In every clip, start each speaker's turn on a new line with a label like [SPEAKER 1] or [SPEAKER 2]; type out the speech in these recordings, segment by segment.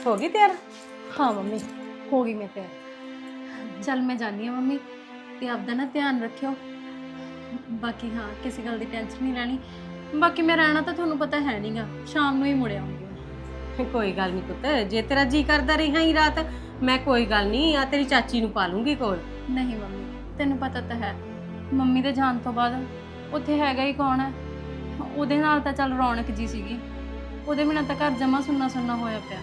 [SPEAKER 1] ਹੋ गई तैयार?
[SPEAKER 2] हाँ मम्मी हो गई मैं तैयार। चल मैं जानी हाँ मम्मी, ते आपदा ना ध्यान रखियो। बाकी हाँ किसी गल की टेंशन नहीं लैनी। बाकी मैं रहना तो थोनू पता है नहीं गा, शाम नू ही मुड़ आऊंगी मैं।
[SPEAKER 1] कोई गल नहीं पुत्त, जे तेरा जी करदा रही ही रात मैं कोई गल नहीं आ तेरी चाची नू पा लूंगी कोल।
[SPEAKER 2] नहीं मम्मी तेनू पता तो है, मम्मी दे जान तो बाद उत्थे हैगा ही कौन है। ਉਹਦੇ ਨਾਲ ਤਾਂ ਚੱਲ ਰੌਣਕ ਜੀ ਸੀਗੀ, ਉਹਦੇ ਬਿਨਾਂ ਤਾਂ ਘਰ ਜਮਾ ਸੁੰਨਾ ਸੁੰਨਾ ਹੋਇਆ ਪਿਆ।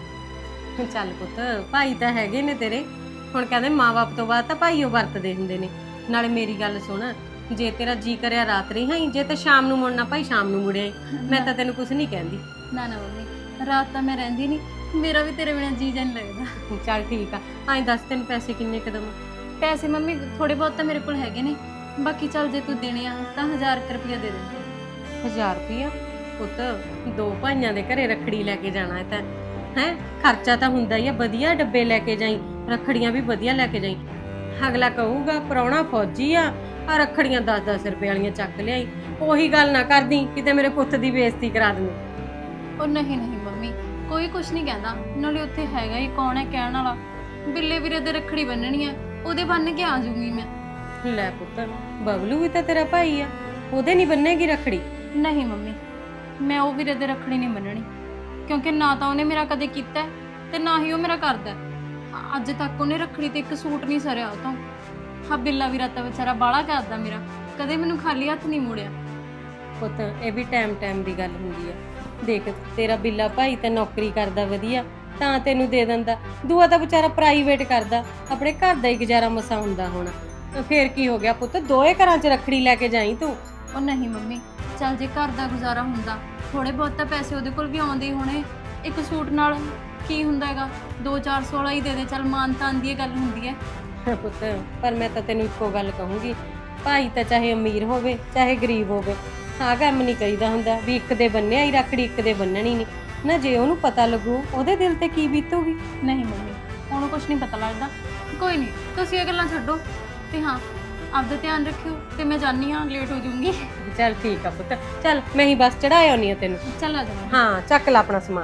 [SPEAKER 1] ਚੱਲ ਪੁੱਤ ਭਾਈ ਤਾਂ ਹੈਗੇ ਨੇ ਤੇਰੇ, ਹੁਣ ਕਹਿੰਦੇ ਮਾਂ-ਬਾਪ ਤੋਂ ਬਾਅਦ ਤਾਂ ਭਾਈ ਉਹ ਵਰਤਦੇ ਹੁੰਦੇ ਨੇ। ਨਾਲੇ ਮੇਰੀ ਗੱਲ ਸੁਣ, ਜੇ ਤੇਰਾ ਜੀ ਕਰਿਆ ਰਾਤ ਰਹੀ ਹਾਂ, ਜੇ ਤੇ ਸ਼ਾਮ ਨੂੰ ਮੁੜਨਾ ਭਾਈ ਸ਼ਾਮ ਨੂੰ ਮੁੜਿਆ। ਮੈਂ ਤਾਂ ਤੈਨੂੰ ਕੁਝ ਨਹੀਂ ਕਹਿੰਦੀ।
[SPEAKER 2] ਨਾ ਨਾ ਮੰਮੀ ਰਾਤ ਤਾਂ ਮੈਂ ਰਹਿੰਦੀ ਨਹੀਂ, ਮੇਰਾ ਵੀ ਤੇਰੇ ਬਿਨਾਂ ਜੀ ਜਾਨ ਲੱਗਦਾ।
[SPEAKER 1] ਚੱਲ ਠੀਕ ਆ, ਐਂ ਦੱਸ ਤੈਨੂੰ ਪੈਸੇ ਕਿੰਨੇ ਕਦਮ?
[SPEAKER 2] ਪੈਸੇ ਮੰਮੀ ਥੋੜੇ ਬਹੁਤ ਤਾਂ ਮੇਰੇ ਕੋਲ ਹੈਗੇ ਨੇ, ਬਾਕੀ ਚੱਲ ਜੇ ਤੂੰ ਦੇਣੇ ਆ ਤਾਂ 1000 ਰੁਪਇਆ ਦੇ ਦਿੰਦੇ।
[SPEAKER 1] 1000 ਰੁਪਇਆ? ਪੁੱਤ ਦੋ ਭਾਈਆਂ ਦੇ ਘਰੇ ਰੱਖੜੀ ਲੈ ਕੇ ਜਾਣਾ ਹੈ ਤਾਂ ਹੈ, ਖਰਚਾ ਤਾਂ ਹੁੰਦਾ ਹੀ ਆ। ਵਧੀਆ ਡੱਬੇ ਲੈ ਕੇ ਜਾਈ, ਰੱਖੜੀਆਂ ਵੀ ਵਧੀਆ ਲੈ ਕੇ ਜਾਈ। ਅਗਲਾ ਕਹੂਗਾ ਪ੍ਰਾਹੁਣਾ ਫੌਜੀ ਆ ਰੱਖੜੀਆਂ 10-10 ਰੁਪਏ ਵਾਲੀਆਂ ਚੱਕ ਲਿਆਈ। ਉਹੀ ਗੱਲ ਨਾ ਕਰਦੀ ਕਿਤੇ ਮੇਰੇ ਪੁੱਤ ਦੀ ਬੇਇੱਜ਼ਤੀ ਕਰਾ ਦੂੰ।
[SPEAKER 2] ਉਹ ਨਹੀਂ ਨਹੀਂ ਮੰਮੀ ਕੋਈ ਕੁਛ ਨਹੀਂ ਕਹਿੰਦਾ, ਨਾਲੇ ਉੱਥੇ ਹੈਗਾ ਹੀ ਕੌਣ ਹੈ ਕਹਿਣ ਵਾਲਾ। ਬਿੱਲੇ ਵੀਰੇ ਦੇ ਰੱਖੜੀ ਬੰਨਣੀ ਹੈ, ਉਹਦੇ ਬੰਨ ਕੇ ਆ ਜਾਊਂਗੀ ਮੈਂ।
[SPEAKER 1] ਲੈ ਪੁੱਤ ਬਬਲੂ ਵੀ ਤਾਂ ਤੇਰਾ ਭਾਈ ਆ, ਉਹਦੇ ਨਹੀਂ ਬੰਨੇਗੀ ਰੱਖੜੀ?
[SPEAKER 2] ਨਹੀਂ ਮੰਮੀ ਮੈਂ ਉਹ ਵੀਰੇ ਦੇ ਰੱਖੜੀ ਨਹੀਂ ਬੰਨਣੀ, ਕਿਉਂਕਿ ਨਾ ਤਾਂ ਉਹਨੇ ਮੇਰਾ ਕਦੇ ਕੀਤਾ ਤੇ ਨਾ ਹੀ ਉਹ ਮੇਰਾ ਕਰਦਾ। ਅੱਜ ਤੱਕ ਉਹਨੇ ਰੱਖੜੀ ਤੇ ਇੱਕ ਸੂਟ ਨਹੀਂ ਸਰਿਆ ਉਹ ਤੋਂ। ਹਾਂ ਬਿੱਲਾ ਵੀਰਾ ਤਾਂ ਵਿਚਾਰਾ ਬਾਹਲਾ ਕਰਦਾ ਮੇਰਾ, ਕਦੇ ਮੈਨੂੰ ਖਾਲੀ ਹੱਥ ਨਹੀਂ ਮੋੜਿਆ।
[SPEAKER 1] ਪੁੱਤ ਇਹ ਵੀ ਟਾਈਮ ਦੀ ਗੱਲ ਹੁੰਦੀ ਆ। ਦੇਖ ਤੇਰਾ ਬਿੱਲਾ ਭਾਈ ਤਾਂ ਨੌਕਰੀ ਕਰਦਾ ਵਧੀਆ, ਤਾਂ ਤੈਨੂੰ ਦੇ ਦਿੰਦਾ। ਦੂਆ ਤਾਂ ਵਿਚਾਰਾ ਪ੍ਰਾਈਵੇਟ ਕਰਦਾ, ਆਪਣੇ ਘਰ ਦਾ ਹੀ ਗੁਜ਼ਾਰਾ ਮਸਾ ਹੁੰਦਾ ਹੋਣਾ। ਫੇਰ ਕੀ ਹੋ ਗਿਆ ਪੁੱਤ, ਦੋਏ ਘਰਾਂ 'ਚ ਰੱਖੜੀ ਲੈ ਕੇ ਜਾਈ ਤੂੰ।
[SPEAKER 2] ਉਹ ਨਹੀਂ ਮੰਮੀ ਚੱਲ ਜੇ ਘਰ ਦਾ ਗੁਜ਼ਾਰਾ ਹੁੰਦਾ, ਥੋੜੇ ਬਹੁਤ ਤਾਂ ਪੈਸੇ ਉਹਦੇ ਕੋਲ ਵੀ ਆਉਂਦੇ ਹੀ ਹੋਣੇ। ਇੱਕ ਸੂਟ ਨਾਲ ਕੀ ਹੁੰਦਾ ਹੈਗਾ, 200-400 ਵਾਲਾ ਹੀ ਦੇ ਦੇ, ਚੱਲ ਮਾਨ ਤਾਨ ਦੀ ਗੱਲ ਹੁੰਦੀ ਹੈ।
[SPEAKER 1] ਪੁੱਤ ਪਰ ਮੈਂ ਤਾਂ ਤੈਨੂੰ ਇੱਕੋ ਗੱਲ ਕਹੂੰਗੀ, ਭਾਈ ਤਾਂ ਚਾਹੇ ਅਮੀਰ ਹੋਵੇ ਚਾਹੇ ਗਰੀਬ ਹੋਵੇ, ਆਹ ਕੰਮ ਨਹੀਂ ਕਰੀਦਾ ਹੁੰਦਾ ਵੀ ਇੱਕ ਦੇ ਬੰਨਿਆ ਹੀ ਰੱਖੜੀ ਇੱਕ ਦੇ ਬੰਨਣੀ ਨਹੀਂ ਨਾ। ਜੇ ਉਹਨੂੰ ਪਤਾ ਲੱਗੂ ਉਹਦੇ ਦਿਲ ਤੇ ਕੀ ਬੀਤੂਗੀ।
[SPEAKER 2] ਨਹੀਂ ਮੰਮੀ ਉਹਨੂੰ ਕੁਛ ਨਹੀਂ ਪਤਾ ਲੱਗਦਾ। ਕੋਈ ਨਹੀਂ ਤੁਸੀਂ ਇਹ ਗੱਲਾਂ ਛੱਡੋ, ਤੇ ਹਾਂ ਆਪਦਾ ਧਿਆਨ ਰੱਖਿਓ। ਤੇ ਮੈਂ ਜਾਣੀ ਹਾਂ, ਲੇਟ ਹੋ ਜਾਊਂਗੀ।
[SPEAKER 1] ਚੱਲ ਠੀਕ ਆ ਪੁੱਤ, ਚੱਲ ਮੈਂ ਹੀ ਬਸ ਚੜਾ ਆਉਣੀ ਆ ਤੈਨੂੰ।
[SPEAKER 2] ਚੱਲ ਆ ਜਾਣਾ।
[SPEAKER 1] ਹਾਂ ਚੱਕ ਲੈ ਆਪਣਾ ਸਮਾਨ।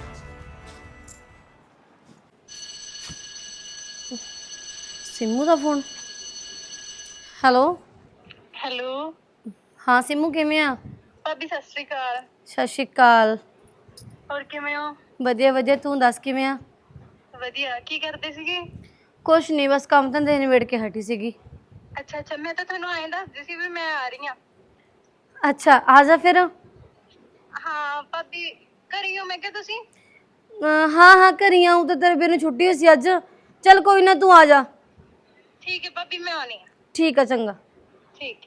[SPEAKER 1] ਸਿੰਮੂ ਦਾ ਫੋਨ। ਹੈਲੋ
[SPEAKER 3] ਹੈਲੋ
[SPEAKER 1] ਹਾਂ ਸਿੰਮੂ ਕਿਵੇਂ ਆ?
[SPEAKER 3] ਭਾਬੀ ਸਤਿ ਸ਼੍ਰੀ ਅਕਾਲ।
[SPEAKER 1] ਸਤਿ ਸ਼੍ਰੀ ਅਕਾਲ।
[SPEAKER 3] ਹੋਰ ਕਿਵੇਂ ਹੋ?
[SPEAKER 1] ਵਧੀਆ ਵਧੀਆ, ਤੂੰ ਦੱਸ ਕਿਵੇਂ ਆ?
[SPEAKER 3] ਵਧੀਆ। ਕੀ ਕਰਦੇ ਸੀਗੇ?
[SPEAKER 1] ਕੁਛ ਨਹੀਂ, ਬਸ ਕੰਮ ਧੰਦੇ ਨਿਬੇੜ ਕੇ ਹਟੀ ਸੀਗੀ।
[SPEAKER 3] ਅੱਛਾ ਅੱਛਾ, ਮੈਂ ਤਾਂ ਤੁਹਾਨੂੰ ਐਂ ਦੱਸਦੀ ਸੀ ਵੀ ਮੈਂ ਆ ਰਹੀ ਹਾਂ।
[SPEAKER 1] ਅੱਛਾ ਆ ਜਾ ਫਿਰ।
[SPEAKER 3] ਹਾਂ ਭਾਬੀ ਘਰੇ ਹੋ? ਮੈਂ ਕਿਹਾ ਤੁਸੀਂ।
[SPEAKER 1] ਹਾਂ ਹਾਂ ਘਰੀ ਆਊਂ, ਤਾਂ ਤੇਰੇ ਵੀਰ ਨੂੰ ਛੁੱਟੀ ਹੋਈ ਸੀ ਅੱਜ। ਚੱਲ ਕੋਈ ਨਾ ਤੂੰ ਆ ਜਾ।
[SPEAKER 3] ਠੀਕ ਹੈ ਭਾਬੀ ਮੈਂ ਆਉਣੀ ਹਾਂ।
[SPEAKER 1] ਠੀਕ ਆ ਚੰਗਾ।
[SPEAKER 3] ਠੀਕ।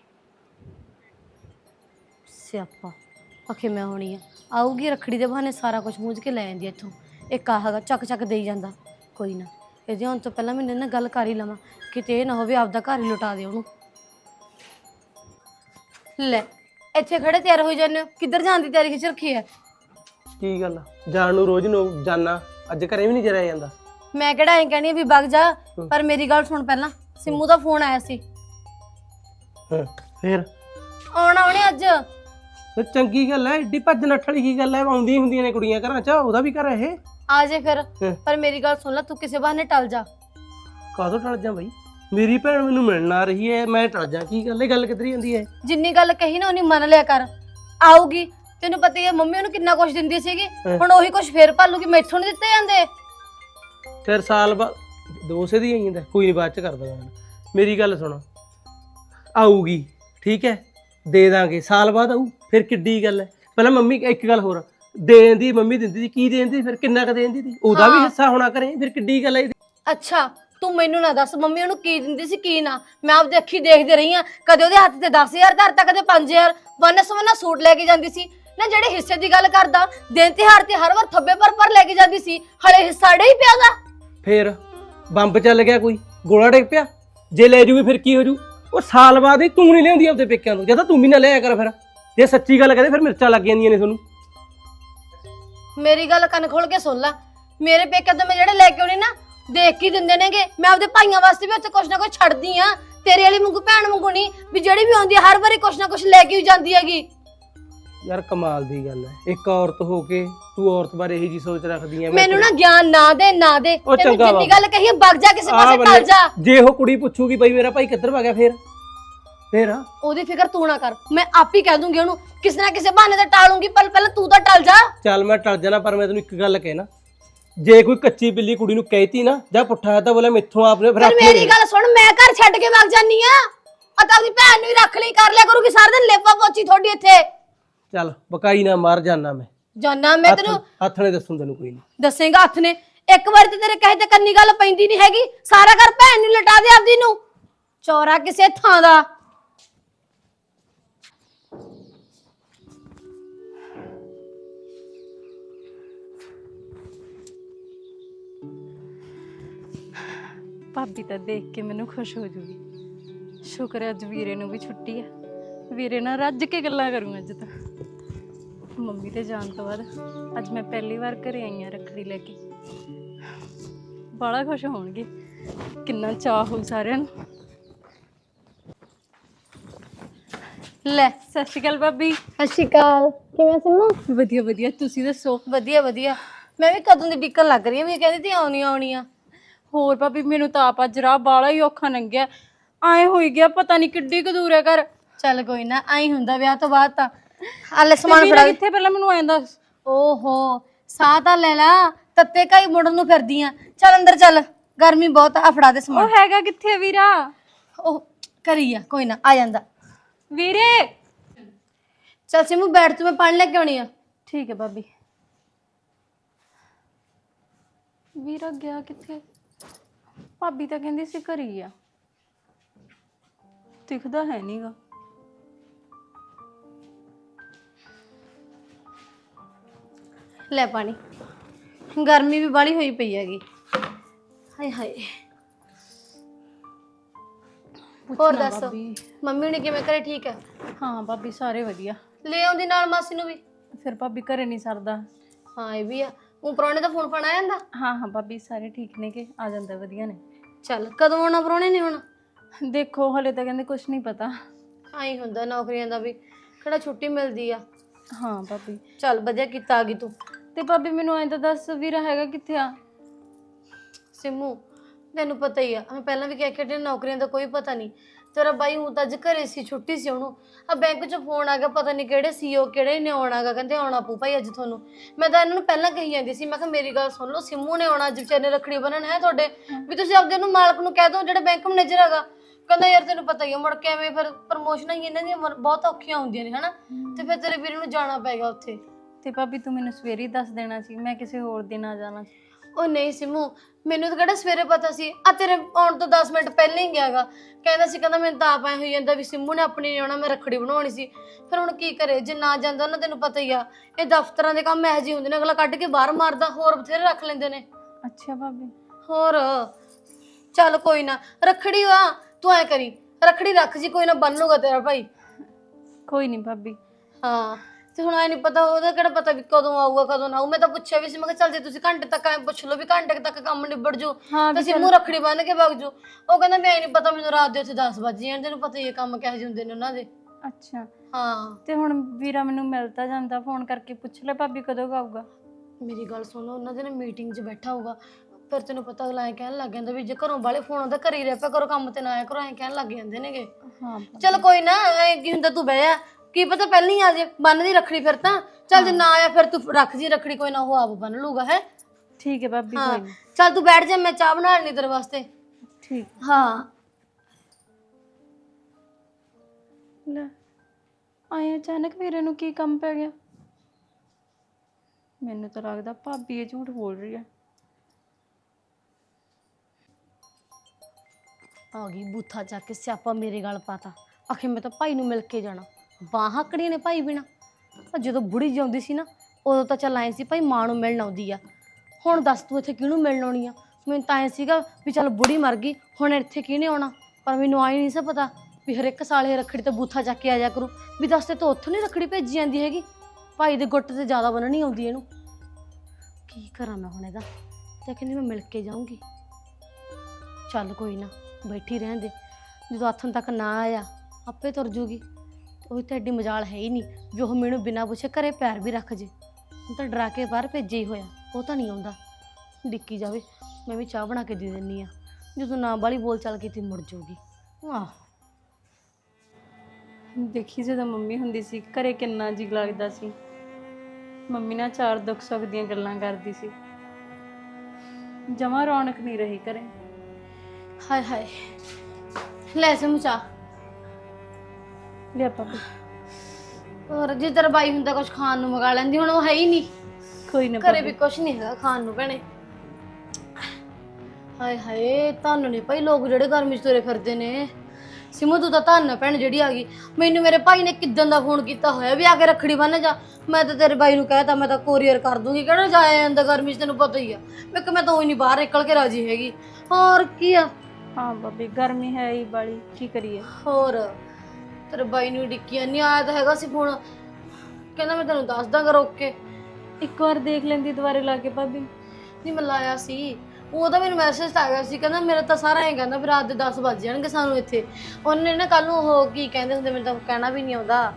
[SPEAKER 1] ਸਿਆਪਾ ਆਖੇ ਮੈਂ ਹੋਣੀ ਆ, ਆਊਗੀ ਰੱਖੜੀ ਦੇ ਬਹਾਨੇ ਸਾਰਾ ਕੁਝ ਮੂੰਝ ਕੇ ਲੈ ਜਾਂਦੀ ਇੱਥੋਂ। ਇੱਕ ਆਹਗਾ ਚੱਕ ਚੱਕ ਦੇਈ ਜਾਂਦਾ। ਕੋਈ ਨਾ ਇਹਦੇ ਹੁਣ ਤੋਂ ਪਹਿਲਾਂ ਮੈਨੂੰ ਨਾ ਗੱਲ ਕਰ ਹੀ ਲਵਾਂ, ਕਿਤੇ ਇਹ ਨਾ ਹੋਵੇ ਆਪਦਾ ਘਰ ਹੀ ਲੁਟਾ ਦੇ ਉਹਨੂੰ। ਲੈ ਇੱਥੇ ਖੜੇ ਤਿਆਰ ਹੋਈ ਜਾਂਦੇ ਹੋ, ਕਿੱਧਰ ਜਾਣ ਦੀ ਤਿਆਰੀ ਖਿੱਚ ਰੱਖੀ ਹੈ?
[SPEAKER 4] ਕੀ ਗੱਲ ਜਾਣ ਨੂੰ ਰੋਜ਼ ਨੂੰ ਜਾਣਾ, ਅੱਜ ਘਰੇ ਵੀ ਨਹੀਂ ਜਰਿਆ ਜਾਂਦਾ।
[SPEAKER 1] ਮੈਂ ਕਿਹੜਾ ਐਂ ਕਹਿਣੀ ਵੀ ਵਗ ਜਾ, ਪਰ ਮੇਰੀ ਗੱਲ ਸੁਣ ਪਹਿਲਾਂ। ਸਿੰਮੂ ਦਾ ਫੋਨ ਆਇਆ ਸੀ।
[SPEAKER 4] ਫੇਰ
[SPEAKER 1] ਆਉਣਾ ਉਹਨੇ ਅੱਜ।
[SPEAKER 4] ਤੇ ਚੰਗੀ ਗੱਲ ਐ, ਏਡੀ ਭੱਜ ਨੱਠ ਵਾਲੀ ਕੀ ਗੱਲ ਐ? ਆਉਂਦੀਆਂ ਹੁੰਦੀਆਂ ਨੇ ਕੁੜੀਆਂ ਘਰਾਂ 'ਚ, ਉਹਦਾ ਵੀ ਘਰ ਇਹ।
[SPEAKER 1] ਆ ਜੇ ਫਿਰ, ਪਰ ਮੇਰੀ ਗੱਲ ਸੁਣ ਲੈ, ਤੂੰ ਕਿਸੇ ਬਹਾਨੇ ਟਲ ਜਾ।
[SPEAKER 4] ਕਾਹਦੋਂ ਟਲ ਜਾ ਬਈ? ਮੇਰੀ ਭੈਣ ਮੈਨੂੰ ਮਿਲਣ ਆ ਰਹੀ ਐ, ਮੈਂ ਟਲ ਜਾ? ਕੀ ਗੱਲ ਐ, ਗੱਲ ਕਿੱਧਰ ਜਾਂਦੀ ਐ?
[SPEAKER 1] ਜਿੰਨੀ ਗੱਲ ਕਹੀ ਨਾ ਉਨੀ ਮੰਨ ਲਿਆ ਕਰ। ਆਊਗੀ, ਤੈਨੂੰ ਪਤਾ ਹੀ ਹੈ ਮੰਮੀ ਉਹਨੂੰ ਕਿੰਨਾ ਕੁਛ ਦਿੰਦੀ ਸੀਗੀ, ਹੁਣ ਉਹੀ ਕੁਛ ਫੇਰ ਭਾਲੂਗੀ। ਮੈਥੋਂ ਨਹੀਂ ਦਿੱਤੇ ਜਾਂਦੇ।
[SPEAKER 4] ਫਿਰ ਸਾਲ ਬਾਅਦ ਦੋਸੇ ਦੀ ਆਈ ਜਾਂਦਾ। ਕੋਈ ਨਹੀਂ ਬਾਅਦ 'ਚ ਕਰ ਦਾਂਗਾ। ਮੇਰੀ ਗੱਲ ਸੁਣ, ਆਊਗੀ ਠੀਕ ਐ, ਦੇ ਦਾਂਗੇ। ਸਾਲ ਬਾਅਦ ਆਊ, ਫਿਰ ਕਿੱਡੀ ਗੱਲ ਐ? ਪਹਿਲਾਂ ਮੰਮੀ ਇੱਕ ਗੱਲ ਹੋਰ, ਦੇਣ ਦੀ ਮੰਮੀ ਦਿੰਦੀ ਸੀ, ਕੀ ਦੇਂਦੀ? ਫਿਰ ਕਿੰਨਾ ਕੁ ਦੇਂਦੀ ਸੀ? ਉਹਦਾ ਵੀ ਹਿੱਸਾ ਹੋਣਾ ਕਰੇ, ਫਿਰ ਕਿੱਡੀ ਗੱਲ ਐ?
[SPEAKER 1] ਅੱਛਾ ਤੂੰ ਮੈਨੂੰ ਨਾ ਦੱਸ ਮੰਮੀ ਉਹਨੂੰ ਕੀ ਦਿੰਦੀ ਸੀ ਕੀ ਨਾ। ਮੈਂ ਆਪਦੀ ਅੱਖੀ ਦੇਖਦੀ ਰਹੀ ਆ, ਕਦੇ ਉਹਦੇ ਹੱਥ ਤੇ 10,000 ਧਰਤਾ, ਕਦੇ 5,000। ਵੰਨ ਸਵੰਨਾ ਸੂਟ ਲੈ ਕੇ ਜਾਂਦੀ ਸੀ ਨਾ। ਜਿਹੜੇ ਹਿੱਸੇ ਦੀ ਗੱਲ ਕਰਦਾ, ਦਿਨ ਤਿਉਹਾਰ ਤੇ ਹਰ ਵਾਰ ਥੱਬੇ ਪਰ ਲੈ ਕੇ ਜਾਂਦੀ ਸੀ, ਹਲੇ ਹਿੱਸਾ ਡੇ ਹੀ ਪਿਆਗਾ।
[SPEAKER 4] ਫਿਰ ਬੰਬ ਚੱਲ ਗਿਆ, ਕੋਈ ਗੋਲਾ ਡਿੱਗ ਪਿਆ, ਜੇ ਲੈ ਜੂਗੀ ਫਿਰ ਕੀ ਹੋ ਜੂ? ਉਹ ਸਾਲ ਬਾਅਦ ਹੀ ਤੂੰ ਨਹੀਂ ਲਿਆਉਂਦੀ ਆਪਦੇ ਪੇਕਿਆਂ ਤੋਂ, ਜਦੋਂ ਤੂੰ ਵੀ ਨਾ ਲਿਆਇਆ ਕਰ। ਫਿਰ ਜੇ ਸੱਚੀ ਗੱਲ ਕਹਦੇ ਫਿਰ ਮਿਰਚਾਂ ਲੱਗ ਜਾਂਦੀਆਂ ਨੇ ਤੁਹਾਨੂੰ।
[SPEAKER 1] ਮੇਰੀ ਗੱਲ ਕੰਨ ਖੋਲ ਕੇ ਸੁਣ ਲੈ। ਮੇਰੇ ਪੇਕਿਆਂ ਤੋਂ ਮੈਂ ਜਿਹੜੇ ਲੈ ਕੇ ਆਉਣੀ ਨਾ, ਦੇਖ ਕੇ ਦਿੰਦੇ ਨੇਗੇ। ਮੈਂ ਆਪਦੇ ਭਾਈਆਂ ਵਾਸਤੇ ਵੀ ਉੱਥੇ ਕੁਛ ਨਾ ਕੁਛ ਛੱਡਦੀ ਆ। ਤੇਰੇ ਵਾਲੀ ਵਾਂਗੂ ਭੈਣ ਵਾਂਗੂ ਨਹੀਂ ਵੀ ਜਿਹੜੀ ਵੀ ਆਉਂਦੀ ਆ ਹਰ ਵਾਰੀ ਕੁਛ ਨਾ ਕੁਛ ਲੈ ਕੇ ਹੀ ਜਾਂਦੀ ਹੈਗੀ।
[SPEAKER 4] ਯਾਰ ਕਮਾਲ ਦੀ ਗੱਲ ਹੈ, ਇੱਕ ਔਰਤ ਹੋ ਕੇ ਤੂੰ ਔਰਤ ਬਾਰੇ ਇਹੀ ਜੀ ਸੋਚ ਰੱਖਦੀ ਐ।
[SPEAKER 5] ਮੈਨੂੰ ਨਾ ਗਿਆਨ ਨਾ ਦੇ
[SPEAKER 4] ਉਹ
[SPEAKER 5] ਤੈਨੂੰ
[SPEAKER 4] ਚੰਗਾ
[SPEAKER 5] ਜਿੰਨੀ ਗੱਲ ਕਹੀ ਵਗ ਜਾ ਕਿਸੇ
[SPEAKER 4] ਆਹ
[SPEAKER 5] ਪਾਸੇ
[SPEAKER 4] ਬੰਦੇ-
[SPEAKER 5] ਟਲ ਜਾ।
[SPEAKER 4] ਜੇ ਉਹ ਕੁੜੀ ਪੁੱਛੂਗੀ ਬਈ ਮੇਰਾ ਭਾਈ ਕਿੱਧਰ ਭੱਗ ਗਿਆ ਫੇਰ
[SPEAKER 5] ਉਹਦੀ ਫਿਕਰ ਤੂੰ ਨਾ ਕਰ, ਮੈਂ ਆਪ ਹੀ ਕਹਿ ਦੂੰਗੀ ਉਹਨੂੰ, ਕਿਸੇ ਨਾ ਕਿਸੇ ਬਹਾਨੇ ਤੇ ਟਾਲੂੰਗੀ, ਪਰ ਪਹਿਲਾਂ ਤੂੰ ਤਾਂ ਟਲ ਜਾ।
[SPEAKER 4] ਚੱਲ ਮੈਂ ਟਲ ਜਾਣਾ, ਪਰ ਮੈਂ ਤੈਨੂੰ ਇੱਕ ਗੱਲ ਕਹਿਣਾ, ਜੇ ਕੋਈ ਕੱਚੀ ਬਿੱਲੀ ਕੁੜੀ ਨੂੰ ਕਹਿਤੀ ਨਾ ਜਾਂ ਪੁੱਠਾ ਤਾਂ ਬੋਲੇ ਮੈਥੋਂ ਆਪਨੇ ਫਿਰ
[SPEAKER 5] ਪਰ ਮੇਰੀ ਗੱਲ ਸੁਣ, ਮੈਂ ਘਰ ਛੱਡ ਕੇ ਵਗ ਜਾਨੀ ਆ, ਤਾਂ ਆਪਣੀ ਭੈਣ ਨੂੰ ਹੀ ਰੱਖ ਲਈ, ਕਰ ਲਿਆ ਕਰੂਗੀ ਸਾਰਾ ਦਿਨ ਲੇਪਾ ਪੋਚੀ ਤੁਹਾਡੀ ਇੱਥੇ।
[SPEAKER 4] ਚੱਲ ਬਕਾਈ ਨਾ ਮਾਰ ਜਾਨਾ ਮੈਂ
[SPEAKER 5] ਜਾਨਾ ਮੈਂ ਤੈਨੂੰ
[SPEAKER 4] ਹੱਥ ਨੇ ਦੱਸੂ ਤੈਨੂੰ ਕੋਈ ਨਹੀਂ
[SPEAKER 5] ਦੱਸੇਗਾ ਹੱਥ ਨੇ। ਇੱਕ ਵਾਰ ਤੇ ਤੇਰੇ ਕਹੇ ਤੇ ਕੰਨੀ ਗੱਲ ਪੈਂਦੀ ਨਹੀਂ ਹੈਗੀ, ਸਾਰਾ ਘਰ ਭੈਣ ਨੂੰ ਲਟਾ ਦੇ ਆਪਦੀ ਨੂੰ, ਚੌਰਾ ਕਿਸੇ ਥਾਂ ਦਾ।
[SPEAKER 2] ਭਾਬੀ ਤਾਂ ਦੇਖ ਕੇ ਮੈਨੂੰ ਖੁਸ਼ ਹੋ ਜੂਗੀ। ਸ਼ੁਕਰ ਹੈ ਅੱਜ ਵੀਰੇ ਨੂੰ ਵੀ ਛੁੱਟੀ ਹੈ, ਵੀਰੇ ਨਾਲ ਰੱਜ ਕੇ ਗੱਲਾਂ ਕਰੂੰ ਅੱਜ ਤਾਂ। ਮੰਮੀ ਤੇ ਜਾਣ ਤੋਂ ਬਾਅਦ ਅੱਜ ਮੈਂ ਪਹਿਲੀ ਵਾਰ ਘਰੇ ਆਈ ਹਾਂ ਰੱਖੜੀ ਲੈ ਕੇ। ਬੜਾ ਖੁਸ਼ ਹੋਣਗੇ, ਕਿੰਨਾ ਚਾਅ ਹੋਊ ਸਾਰਿਆਂ ਨੂੰ। ਲੈ ਸਤਿ ਸ਼੍ਰੀ ਅਕਾਲ ਭਾਬੀ।
[SPEAKER 5] ਸਤਿ ਸ਼੍ਰੀ ਅਕਾਲ, ਕਿਵੇਂ ਸਿੰਮੂ?
[SPEAKER 2] ਵਧੀਆ ਵਧੀਆ, ਤੁਸੀਂ ਦੱਸੋ?
[SPEAKER 5] ਵਧੀਆ ਵਧੀਆ, ਮੈਂ ਵੀ ਕਦੋਂ ਦੀ ਡਿੱਕਣ ਲੱਗ ਰਹੀ ਹਾਂ, ਵੀ ਕਹਿੰਦੀ ਤੀ ਆਉਣੀ ਆ।
[SPEAKER 2] ਹੋਰ ਭਾਬੀ ਮੈਨੂੰ ਤਾਂ ਆਪ ਅੱਜ ਰਾਹ ਬਾਲਾ ਹੀ ਔਖਾ ਲੰਘਿਆ, ਆਏ ਹੋਈ ਗਿਆ ਪਤਾ ਨਹੀਂ ਕਿੱਡੀ ਕੁ ਦੂਰ ਹੈ ਘਰ।
[SPEAKER 5] ਚੱਲ ਕੋਈ ਨਾ, ਆਈ ਹੁੰਦਾ ਵਿਆਹ ਤੋਂ ਬਾਅਦ ਤਾਂ। ਆਲੇ ਸਮਾਨ
[SPEAKER 2] ਵੀਰੇ
[SPEAKER 5] ਫੜਾ।
[SPEAKER 2] ਕਿੱਥੇ ਪਹਿਲਾਂ ਮੈਨੂੰ ਐਂ ਦੱਸ।
[SPEAKER 5] ਓਹੋ, ਸਾਹ ਤਾਂ ਲੈ ਲਾ, ਤੱਤੇ ਕਾਈ ਮੁੜਨ ਨੂੰ ਫਿਰਦੀ ਆ। ਚੱਲ ਅੰਦਰ ਚੱਲ, ਗਰਮੀ ਬਹੁਤ ਆ, ਫੜਾ ਦੇ ਸਮਾਨ।
[SPEAKER 2] ਉਹ ਹੈਗਾ ਕਿੱਥੇ ਵੀਰਾ?
[SPEAKER 5] ਉਹ ਕਰੀ ਆ, ਕੋਈ ਨਾ ਆ ਜਾਂਦਾ।
[SPEAKER 2] ਵੀਰੇ
[SPEAKER 5] ਚੱਲ ਸਿੰਮੂ ਬੈਠ, ਤੂੰ ਮੈਂ ਪਾਣੀ ਲੈ ਕੇ ਆਉਣੀ ਆ।
[SPEAKER 2] ਠੀਕ ਹੈ ਭਾਬੀ। ਵੀਰਾ ਗਿਆ ਕਿੱਥੇ? ਭਾਬੀ ਤਾਂ ਕਹਿੰਦੀ ਸੀ ਘਰੇ ਹੀ ਆ, ਦਿਖਦਾ ਹੈ ਨਹੀਂਗਾ।
[SPEAKER 5] ਲੈ ਪਾਣੀ, ਗਰਮੀ ਵੀ ਬਾਲੀ ਹੋਈ ਪਈ ਹੈਗੀ। ਹਾਏ ਹਾਏ। ਹੋਰ ਦੱਸ,
[SPEAKER 2] ਭਾਬੀ
[SPEAKER 5] ਮੰਮੀ ਨੇ ਕਿਵੇਂ ਘਰੇ? ਠੀਕ ਹੈ?
[SPEAKER 2] ਹਾਂ ਭਾਬੀ ਸਾਰੇ ਵਧੀਆ।
[SPEAKER 5] ਲੈ ਆਉਂਦੀ ਨਾਲ ਮਾਸੀ ਨੂੰ ਵੀ।
[SPEAKER 2] ਫਿਰ ਭਾਬੀ ਘਰੇ ਨਹੀਂ ਸਰਦਾ।
[SPEAKER 5] ਹਾਂ ਇਹ ਵੀ ਆ, ਉਹ ਪ੍ਰਾਹੁਣੇ ਦਾ ਫੋਨ ਫਾਨ ਆ ਜਾਂਦਾ।
[SPEAKER 2] ਹਾਂ ਹਾਂ ਭਾਬੀ ਸਾਰੇ ਠੀਕ ਨੇ, ਕਿ ਆ ਜਾਂਦਾ ਵਧੀਆ ਨੇ।
[SPEAKER 5] ਚੱਲ ਕਦੋਂ ਆਉਣਾ ਪ੍ਰਾਹੁਣੇ ਨੇ ਹੁਣ?
[SPEAKER 2] ਦੇਖੋ ਹਲੇ ਤਾਂ ਕਹਿੰਦੇ ਕੁਝ ਨਹੀਂ ਪਤਾ।
[SPEAKER 5] ਆਈ ਹੁੰਦਾ ਨੌਕਰੀਆਂ ਦਾ ਵੀ, ਕਿਹੜਾ ਛੁੱਟੀ ਮਿਲਦੀ ਆ।
[SPEAKER 2] ਹਾਂ ਭਾਬੀ।
[SPEAKER 5] ਚੱਲ ਵਧੀਆ ਕੀਤਾ ਆ ਗਈ ਤੂੰ।
[SPEAKER 2] ਤੇ ਭਾਬੀ ਮੈਨੂੰ ਐਂ ਤਾਂ ਦੱਸ, ਵੀਰਾ ਹੈਗਾ ਕਿੱਥੇ ਆ?
[SPEAKER 5] ਸਿੰਮੂ ਤੈਨੂੰ ਪਤਾ ਹੀ ਆ, ਮੈਂ ਪਹਿਲਾਂ ਵੀ ਕਹਿ ਕੇ ਨੌਕਰੀਆਂ ਦਾ ਕੋਈ ਪਤਾ ਨਹੀਂ। ਤੇਰਾ ਬਾਈ ਹੁਣ ਤਾਂ ਅੱਜ ਘਰੇ ਸੀ, ਛੁੱਟੀ ਸੀ ਉਹਨੂੰ। ਆ ਬੈਂਕ 'ਚ ਫੋਨ ਆ ਗਿਆ, ਪਤਾ ਨਹੀਂ ਕਿਹੜੇ ਸੀਓ ਕਿਹੜੇ ਨੇ ਆਉਣਾਗਾ, ਕਹਿੰਦੇ ਆਉਣਾ ਪਊ ਭਾਈ ਅੱਜ ਤੁਹਾਨੂੰ। ਮੈਂ ਤਾਂ ਇਹਨਾਂ ਨੂੰ ਪਹਿਲਾਂ ਕਹੀ ਜਾਂਦੀ ਸੀ, ਮੈਂ ਕਿਹਾ ਮੇਰੀ ਗੱਲ ਸੁਣ ਲਓ, ਸਿੰਮੂ ਨੇ ਆਉਣਾ ਅੱਜ, ਵਿਚਾਰੇ ਨੇ ਰੱਖੜੀ ਬੰਨਣ ਹੈ ਤੁਹਾਡੇ, ਵੀ ਤੁਸੀਂ ਆਪਦੇ ਨੂੰ ਮਾਲਕ ਨੂੰ ਕਹਿ ਦਿਓ ਜਿਹੜਾ ਬੈਂਕ ਮੈਨੇਜਰ ਹੈਗਾ। ਕਹਿੰਦਾ ਯਾਰ ਤੈਨੂੰ ਪਤਾ ਹੀ ਆ, ਮੁੜ ਕੇ ਐਵੇਂ ਫਿਰ ਪ੍ਰਮੋਸ਼ਨਾਂ ਹੀ ਇਹਨਾਂ ਦੀਆਂ ਬਹੁਤ ਔਖੀਆਂ ਹੁੰਦੀਆਂ ਨੇ ਹਨਾ, ਤੇ ਫਿਰ ਤੇਰੇ ਵੀਰ ਨੂੰ ਜਾਣਾ ਪਏਗਾ ਉੱਥੇ।
[SPEAKER 2] ਤੇ ਭਾਬੀ ਤੂੰ ਮੈਨੂੰ ਸਵੇਰੇ ਹੀ ਦੱਸ ਦੇਣਾ ਸੀ, ਮੈਂ ਕਿਸੇ ਹੋਰ ਦਿਨ ਆ ਜਾਣਾ ਸੀ।
[SPEAKER 5] ਉਹ ਨਹੀਂ ਸਿੰਮੂ, ਮੈਨੂੰ ਤਾਂ ਕਿਹੜਾ ਸਵੇਰੇ ਪਤਾ ਸੀ, ਆ ਤੇਰੇ ਆਉਣ ਤੋਂ 10 ਮਿੰਟ ਪਹਿਲਾਂ ਹੀ ਗਿਆਗਾ। ਕਹਿੰਦਾ ਸੀ, ਕਹਿੰਦਾ ਮੈਨੂੰ ਤਾਂ ਆਪ ਐ ਹੋਈ ਜਾਂਦਾ ਵੀ ਸਿੰਮੂ ਨੇ ਆਪਣੀ ਆਉਣਾ, ਮੈਂ ਰੱਖੜੀ ਬਣਾਉਣੀ ਸੀ। ਫਿਰ ਹੁਣ ਕੀ ਕਰੇ, ਜੇ ਨਾ ਜਾਂਦਾ ਨਾ, ਤੈਨੂੰ ਪਤਾ ਹੀ ਆ ਇਹ ਦਫ਼ਤਰਾਂ ਦੇ ਕੰਮ ਇਹੋ ਜਿਹੇ ਹੁੰਦੇ ਨੇ, ਅਗਲਾ ਕੱਢ ਕੇ ਬਾਹਰ ਮਾਰਦਾ, ਹੋਰ ਬਥੇਰੇ ਰੱਖ ਲੈਂਦੇ ਨੇ।
[SPEAKER 2] ਅੱਛਾ ਭਾਬੀ।
[SPEAKER 5] ਹੋਰ ਚੱਲ ਕੋਈ ਨਾ, ਰੱਖੜੀ ਵਾ ਤੂੰ ਐ ਕਰੀ, ਰੱਖੜੀ ਰੱਖ ਜੀ, ਕੋਈ ਨਾ ਬੰਨ ਲੂਗਾ ਤੇਰਾ ਭਾਈ।
[SPEAKER 2] ਕੋਈ ਨਹੀਂ ਭਾਬੀ।
[SPEAKER 5] ਹਾਂ ਤੇ ਹੁਣ ਐ ਨਹੀਂ ਪਤਾ, ਉਹਦਾ ਕਿਹੜਾ ਪਤਾ ਵੀ ਕਦੋਂ ਆਊਗਾ ਕਦੋਂ ਨਾ ਆਊ। ਮੈਂ ਤਾਂ ਪੁੱਛਿਆ ਵੀ ਸੀ, ਮੈਂ ਕਿਹਾ ਚੱਲ ਜੇ ਤੁਸੀਂ ਘੰਟੇ ਤੱਕ ਐ ਪੁੱਛ ਲਓ ਵੀ ਘੰਟੇ ਤੱਕ ਕੰਮ ਨਿਬੜ ਜੂ ਤਾਂ ਸਿੰਮੂ ਰੱਖੜੀ ਬੰਨ ਕੇ ਵਗ ਜੂ। ਉਹ ਕਹਿੰਦਾ ਮੈਂ ਨਹੀਂ ਪਤਾ, ਮੈਨੂੰ ਰਾਤ ਦੇ ਉੱਥੇ 10 ਵਜੇ ਜਾਣ, ਤੈਨੂੰ ਪਤਾ ਹੀ ਹੈ ਕੰਮ ਕਿਹੋ ਜਿਹੇ ਹੁੰਦੇ ਨੇ ਉਹਨਾਂ ਦੇ।
[SPEAKER 2] ਅੱਛਾ
[SPEAKER 5] ਹਾਂ
[SPEAKER 2] ਤੇ ਹੁਣ ਵੀਰਾ ਮੈਨੂੰ ਮਿਲਦਾ ਜਾਂਦਾ, ਫੋਨ ਕਰਕੇ ਪੁੱਛ ਲੈ ਭਾਬੀ ਕਦੋਂ ਆਊਗਾ।
[SPEAKER 5] ਮੇਰੀ ਗੱਲ ਸੁਣ, ਉਹਨਾਂ ਦੇ ਨਾ ਮੀਟਿੰਗ 'ਚ ਬੈਠਾ ਹੋਊਗਾ, ਫਿਰ ਤੈਨੂੰ ਪਤਾ ਅਗਲਾ ਐਂ ਕਹਿਣ ਲੱਗ ਜਾਂਦਾ ਵੀ ਜੇ ਘਰੋਂ ਵਾਲੇ ਫੋਨ ਆਉਂਦਾ ਘਰੇ ਹੀ ਰਹਿ ਪਿਆ ਕਰੋ, ਕੰਮ ਤੇ ਨਾ ਆਇਆ ਕਰੋ, ਐਂ ਕਹਿਣ ਲੱਗ ਜਾਂਦੇ ਨੇਗੇ।
[SPEAKER 2] ਹਾਂ
[SPEAKER 5] ਚੱਲ ਕੋਈ ਨਾ, ਐ ਕੀ ਹੁੰਦਾ, ਤੂੰ ਬਹਿ ਜਾ, ਕੀ ਪਤਾ ਪਹਿਲਾਂ ਹੀ ਆ ਜੇ ਬੰਨ ਦੀ ਰੱਖੜੀ। ਫਿਰ ਤਾਂ ਚੱਲ ਜੇ ਨਾ ਆਇਆ ਫਿਰ ਤੂੰ ਰੱਖ ਜੀ ਰੱਖੜੀ, ਕੋਈ ਨਾ ਉਹ ਆਪ ਬੰਨ ਲੂਗਾ। ਹੈ
[SPEAKER 2] ਠੀਕ ਹੈ ਭਾਬੀ।
[SPEAKER 5] ਹਾਂ
[SPEAKER 2] ਕੋਈ ਨਹੀਂ।
[SPEAKER 5] ਚੱਲ ਤੂੰ ਬੈਠ ਜਾ, ਮੈਂ ਚਾਹ ਬਣਾ ਲੈਣੀ ਤੇਰੇ ਵਾਸਤੇ।
[SPEAKER 2] ਠੀਕ।
[SPEAKER 5] ਹਾਂ
[SPEAKER 2] ਲੈ ਆਏ ਅਚਾਨਕ ਵੀਰੇ ਨੂੰ ਕੀ ਕੰਮ ਪੈ ਗਿਆ? ਮੈਨੂੰ ਤਾਂ ਲੱਗਦਾ ਭਾਬੀ ਇਹ ਝੂਠ ਬੋਲ ਰਹੀ ਹੈ।
[SPEAKER 5] ਆ ਗਈ ਬੂਥਾ ਚੱਕ ਕੇ ਸਿਆਪਾ ਮੇਰੇ ਗਲ ਪਾਤਾ। ਆਖੇ ਮੈਂ ਤਾਂ ਭਾਈ ਨੂੰ ਮਿਲ ਕੇ ਜਾਣਾ, ਬਾਹਾਂ ਆਕੜੀਆਂ ਨੇ ਭਾਈ ਬਿਨਾ। ਜਦੋਂ ਬੁੜੀ ਜਿਉਂਦੀ ਸੀ ਨਾ, ਉਦੋਂ ਤਾਂ ਚੱਲ ਆਏ ਸੀ ਭਾਈ ਮਾਂ ਨੂੰ ਮਿਲਣ ਆਉਂਦੀ ਆ। ਹੁਣ ਦੱਸ ਤੂੰ ਇੱਥੇ ਕਿਹਨੂੰ ਮਿਲਣ ਆਉਣੀ ਆ? ਮੈਨੂੰ ਤਾਂ ਐਂ ਸੀਗਾ ਵੀ ਚੱਲ ਬੁੜੀ ਮਰ ਗਈ, ਹੁਣ ਇੱਥੇ ਕਿਹਨੇ ਆਉਣਾ। ਪਰ ਮੈਨੂੰ ਆਈ ਨਹੀਂ ਸੀ ਪਤਾ ਵੀ ਹਰ ਇੱਕ ਸਾਲ ਇਹ ਰੱਖੜੀ ਤੇ ਬੂਥਾ ਚੱਕ ਕੇ ਆ ਜਾ ਕਰੂ। ਵੀ ਦੱਸ ਤੇ ਤੂੰ ਉੱਥੋਂ ਨਹੀਂ ਰੱਖੜੀ ਭੇਜੀ ਜਾਂਦੀ ਹੈਗੀ, ਭਾਈ ਦੇ ਗੁੱਟ ਤੇ ਜ਼ਿਆਦਾ ਬੰਨਣੀ ਆਉਂਦੀ ਇਹਨੂੰ। ਕੀ ਕਰਾਂ ਮੈਂ ਹੁਣ ਇਹਦਾ? ਤੇ ਕਹਿੰਦੀ ਮੈਂ ਮਿਲ ਕੇ ਜਾਊਂਗੀ। ਚੱਲ ਕੋਈ ਨਾ, ਬੈਠੀ ਰਹਿਣ ਦੇ, ਜਦੋਂ ਆਥਣ ਤੱਕ ਨਾ ਆਇਆ ਆਪੇ ਤੁਰ ਜੂਗੀ। ਉਹ ਤਾਂ ਐਡੀ ਮਜਾਲ ਹੈ ਹੀ ਨਹੀਂ ਵੀ ਉਹ ਮੈਨੂੰ ਬਿਨਾਂ ਪੁੱਛੇ ਘਰੇ ਪੈਰ ਵੀ ਰੱਖ ਜੇ। ਹੁਣ ਤਾਂ ਡਰਾ ਕੇ ਬਾਹਰ ਭੇਜਿਆ ਹੀ ਹੋਇਆ, ਉਹ ਤਾਂ ਨਹੀਂ ਆਉਂਦਾ। ਡਿੱਕੀ ਜਾਵੇ, ਮੈਂ ਵੀ ਚਾਹ ਬਣਾ ਕੇ ਦੇ ਦਿੰਨੀ ਆ, ਜਦੋਂ ਨਾ ਬਾਲੀ ਬੋਲ ਚੱਲ ਕੀਤੀ ਮੁੜ ਜਾਊਗੀ। ਆਹ
[SPEAKER 2] ਦੇਖੀ ਜਦੋਂ ਮੰਮੀ ਹੁੰਦੀ ਸੀ ਘਰੇ ਕਿੰਨਾ ਜੀ ਲੱਗਦਾ ਸੀ। ਮੰਮੀ ਨਾਲ ਚਾਰ ਦੁੱਖ ਸੁੱਖ ਦੀਆਂ ਗੱਲਾਂ ਕਰਦੀ ਸੀ। ਜਮਾਂ ਰੌਣਕ ਨਹੀਂ ਰਹੀ ਘਰੇ।
[SPEAKER 5] ਹਾਏ ਹਾਏ, ਲੈ ਸੇ ਮੁਚਾ।
[SPEAKER 2] ਲਿਆ ਭਾਬੀ।
[SPEAKER 5] ਔਰ ਜੇ ਤੇਰਾ ਬਾਈ ਹੁੰਦਾ ਕੁਝ ਖਾਣ ਨੂੰ ਮੰਗਾ ਲੈਂਦੀ, ਹੁਣ ਉਹ ਹੈ ਹੀ ਨਹੀਂ
[SPEAKER 2] ਕੋਈ ਨਾ
[SPEAKER 5] ਘਰੇ, ਵੀ ਕੁਝ ਨਹੀਂ ਹੈਗਾ ਖਾਣ ਨੂੰ ਭੈਣੇ। ਹਾਏ ਹਾਏ, ਤੁਹਾਨੂੰ ਨਹੀਂ ਭਾਈ ਲੋਕ ਜਿਹੜੇ ਗਰਮੀ 'ਚ ਤੁਰੇ ਫਿਰਦੇ ਨੇ। ਸਿਮੂ ਤੂੰ ਤਾਂ ਧੰਨ ਭੈਣ ਜਿਹੜੀ ਆ ਗਈ। ਮੈਨੂੰ ਮੇਰੇ ਭਾਈ ਨੇ ਕਿੱਦਣ ਦਾ ਫੋਨ ਕੀਤਾ ਹੋਇਆ ਵੀ ਆ ਕੇ ਰੱਖੜੀ ਬੰਨ ਜਾ। ਮੈਂ ਤਾਂ ਤੇਰੇ ਬਾਈ ਨੂੰ ਕਹਿਤਾ ਮੈਂ ਤਾਂ ਕੋਰੀਅਰ ਕਰ ਦੂੰਗੀ, ਕਿਹੜਾ ਜਾਇਆ ਜਾਂਦਾ ਗਰਮੀ 'ਚ, ਤੈਨੂੰ ਪਤਾ ਹੀ ਆ। ਮੈਂ ਤਾਂ ਉਹੀ ਨਹੀਂ ਬਾਹਰ ਨਿਕਲ ਕੇ ਰਾਜੀ ਹੈਗੀ। ਹੋਰ ਕੀ ਆ।
[SPEAKER 2] ਹਾਂ ਭਾਬੀ, ਗਰਮੀ ਹੈ ਹੀ ਬਾਲੀ, ਕੀ ਕਰੀਏ।
[SPEAKER 5] ਹੋਰ ਤੇਰੇ ਬਾਈ ਨੂੰ ਡਿੱਕੀਆਂ ਨਹੀਂ ਆਇਆ ਤਾਂ ਹੈਗਾ ਸੀ ਫੋਨ, ਕਹਿੰਦਾ ਮੈਂ ਤੈਨੂੰ ਦੱਸ ਦਾਂਗਾ ਰੋਕ ਕੇ।
[SPEAKER 2] ਇੱਕ ਵਾਰ ਦੇਖ ਲੈਂਦੀ ਦੁਬਾਰੇ ਲਾ ਕੇ ਭਾਬੀ।
[SPEAKER 5] ਨਹੀਂ ਮੈਂ ਲਾਇਆ ਸੀ, ਉਹਦਾ ਮੈਨੂੰ ਮੈਸੇਜ ਆ ਗਿਆ ਸੀ, ਕਹਿੰਦਾ ਮੇਰਾ ਤਾਂ ਸਾਰਾ ਐਂ ਕਹਿੰਦਾ ਵੀ ਰਾਤ ਦੇ 10 ਵੱਜ ਜਾਣਗੇ ਸਾਨੂੰ ਇੱਥੇ। ਉਹਨੇ ਨਾ ਕੱਲ ਨੂੰ ਉਹ ਕੀ ਕਹਿੰਦੇ ਹੁੰਦੇ, ਮੈਨੂੰ ਤਾਂ ਕਹਿਣਾ ਵੀ ਨਹੀਂ ਆਉਂਦਾ,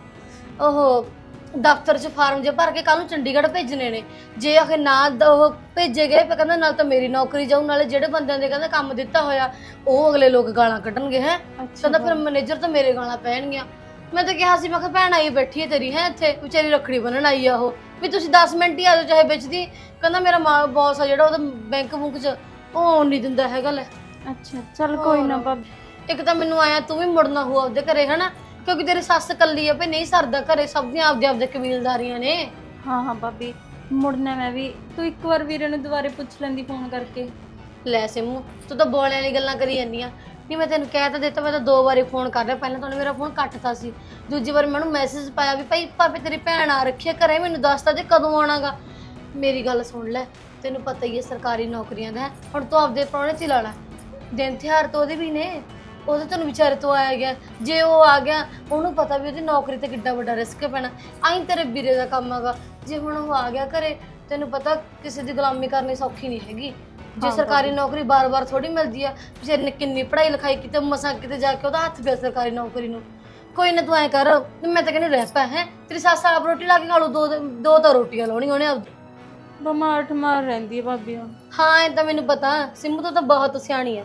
[SPEAKER 5] ਉਹ ਦਫ਼ਤਰ 'ਚ ਫਾਰਮ ਜੇ ਭਰ ਕੇ ਕੱਲ ਨੂੰ ਚੰਡੀਗੜ੍ਹ ਭੇਜਣੇ ਨੇ। ਜੇ ਆਖੇ ਨਾ ਉਹ ਭੇਜੇ ਗਏ ਫਿਰ ਕਹਿੰਦਾ ਨਾਲ ਤਾਂ ਮੇਰੀ ਨੌਕਰੀ ਜਾਊ, ਨਾਲੇ ਜਿਹੜੇ ਬੰਦਿਆਂ ਦੇ ਕਹਿੰਦਾ ਕੰਮ ਦਿੱਤਾ ਹੋਇਆ ਉਹ ਅਗਲੇ ਲੋਕ ਗਾਲਾਂ ਕੱਢਣਗੇ। ਹੈ ਕਹਿੰਦਾ ਫਿਰ ਮੈਨੇਜਰ ਤਾਂ ਮੇਰੇ ਗਾਲਾਂ ਪੈਣਗੀਆਂ। ਮੈਂ ਤਾਂ ਕਿਹਾ ਸੀ, ਮੈਂ ਕਿਹਾ ਭੈਣ ਆਈ ਬੈਠੀ ਹੈ ਤੇਰੀ, ਹੈ ਇੱਥੇ ਵਿਚਾਰੀ ਰੱਖੜੀ ਬੰਨਣ ਆਈ ਆ ਉਹ, ਵੀ ਤੁਸੀਂ 10 ਮਿੰਟ ਹੀ ਆ ਜਾਓ ਚਾਹੇ ਵਿੱਚ ਦੀ। ਕਹਿੰਦਾ ਮੇਰਾ ਬੌਸ ਆ ਜਿਹੜਾ ਉਹਦਾ ਬੈਂਕ ਬੁੰਕ 'ਚ ਉਹ ਆਉਣ ਨਹੀਂ ਦਿੰਦਾ ਹੈਗਾ। ਲੈ
[SPEAKER 2] ਅੱਛਾ ਚੱਲ ਕੋਈ ਨਾ ਭਾਬੀ।
[SPEAKER 5] ਇੱਕ ਤਾਂ ਮੈਨੂੰ ਆਇਆ ਤੂੰ ਵੀ ਮੁੜਨਾ ਹੋ ਆਪਦੇ ਘਰੇ, ਹਨਾ, ਕਿਉਂਕਿ ਤੇਰੀ ਸੱਸ ਕੱਲੀ ਆ ਭਈ, ਨਹੀਂ ਸਰਦਾ ਘਰੇ, ਸਭ ਦੀਆਂ ਆਪਦੇ ਕਬੀਲਦਾਰੀਆਂ ਨੇ।
[SPEAKER 2] ਹਾਂ ਹਾਂ ਭਾਬੀ, ਮੁੜਨਾ ਮੈਂ ਵੀ। ਤੂੰ ਇੱਕ ਵਾਰ ਵੀਰੇ ਨੂੰ ਦੁਬਾਰੇ ਪੁੱਛ ਲੈਂਦੀ ਫੋਨ ਕਰਕੇ।
[SPEAKER 5] ਲੈ ਸਿਮੂ, ਤੂੰ ਤਾਂ ਬੋਲਿਆਂ ਵਾਲੀ ਗੱਲਾਂ ਕਰੀ ਜਾਂਦੀ ਆ। ਨਹੀਂ ਮੈਂ ਤੈਨੂੰ ਕਹਿ ਤਾਂ ਦਿੱਤਾ, ਮੈਂ ਤਾਂ 2 ਵਾਰੀ ਫੋਨ ਕਰ ਰਿਹਾ। ਪਹਿਲਾਂ ਤਾਂ ਉਹਨੇ ਮੇਰਾ ਫੋਨ ਕੱਟਤਾ ਸੀ, ਦੂਜੀ ਵਾਰ ਮੈਨੂੰ ਮੈਸੇਜ ਪਾਇਆ ਵੀ ਭਾਈ ਭਾਵੇਂ ਤੇਰੀ ਭੈਣ ਆ ਰੱਖੀ ਆ ਘਰੇ, ਮੈਨੂੰ ਦੱਸਦਾ ਜੇ ਕਦੋਂ ਆਉਣਾਗਾ। ਮੇਰੀ ਗੱਲ ਸੁਣ ਲੈ, ਤੈਨੂੰ ਪਤਾ ਹੀ ਹੈ ਸਰਕਾਰੀ ਨੌਕਰੀਆਂ ਦਾ, ਹੁਣ ਤੂੰ ਆਪਦੇ ਪ੍ਰਾਹੁਣੇ 'ਚ ਹੀ ਲਾ ਲੈ। ਦਿਨ ਤਿਉਹਾਰ ਤਾਂ ਉਹਦੇ ਵੀ ਨੇ, ਉਹਦੇ ਤੈਨੂੰ ਵਿਚਾਰੇ ਤੋਂ ਆਇਆ ਗਿਆ। ਜੇ ਉਹ ਆ ਗਿਆ, ਉਹਨੂੰ ਪਤਾ ਵੀ ਉਹਦੀ ਨੌਕਰੀ ਤੇ ਕਿੱਡਾ ਵੱਡਾ ਰਿਸਕ ਪੈਣਾ। ਆਈ ਤੇਰੇ ਵੀਰੇ ਦਾ ਕੰਮ ਹੈਗਾ। ਜੇ ਹੁਣ ਉਹ ਆ ਗਿਆ ਘਰੇ, ਤੈਨੂੰ ਪਤਾ ਕਿਸੇ ਦੀ ਗੁਲਾਮੀ ਕਰਨੀ ਸੌਖੀ ਨਹੀਂ ਹੈਗੀ। ਜੇ ਸਰਕਾਰੀ ਨੌਕਰੀ ਬਾਰ-ਬਾਰ ਥੋੜੀ ਮਿਲਦੀ ਆ। ਵਿਚਾਰੇ ਨੇ ਕਿੰਨੀ ਪੜ੍ਹਾਈ ਲਿਖਾਈ ਕੀਤੀ, ਮਸਾਂ ਕਿਤੇ ਜਾ ਕੇ ਉਹਦਾ ਹੱਥ ਪਿਆ ਸਰਕਾਰੀ ਨੌਕਰੀ ਨੂੰ। ਕੋਈ ਨਾ ਤੂੰ ਐਂ ਕਰ, ਮੈਂ ਤਾਂ ਕਹਿੰਦੀ ਰਹਿ ਪੈ, ਹੈ ਤੇਰੀ ਸੱਸ ਆਪ ਰੋਟੀ ਲਾ ਕੇ ਖਾ ਲੂ, ਦੋ ਤਾਂ ਰੋਟੀਆਂ ਲਾਉਣੀਆਂ ਉਹਨੇ ਆਪਦੀ।
[SPEAKER 2] ਬਿਮਾਰ ਠਮਾਰ ਰਹਿੰਦੀ ਹੈ ਭਾਬੀ।
[SPEAKER 5] ਹਾਂ ਇਹ ਤਾਂ ਮੈਨੂੰ ਪਤਾ, ਸਿੰਮੂ ਤੋਂ ਤਾਂ ਬਹੁਤ ਸਿਆਣੀ ਆ।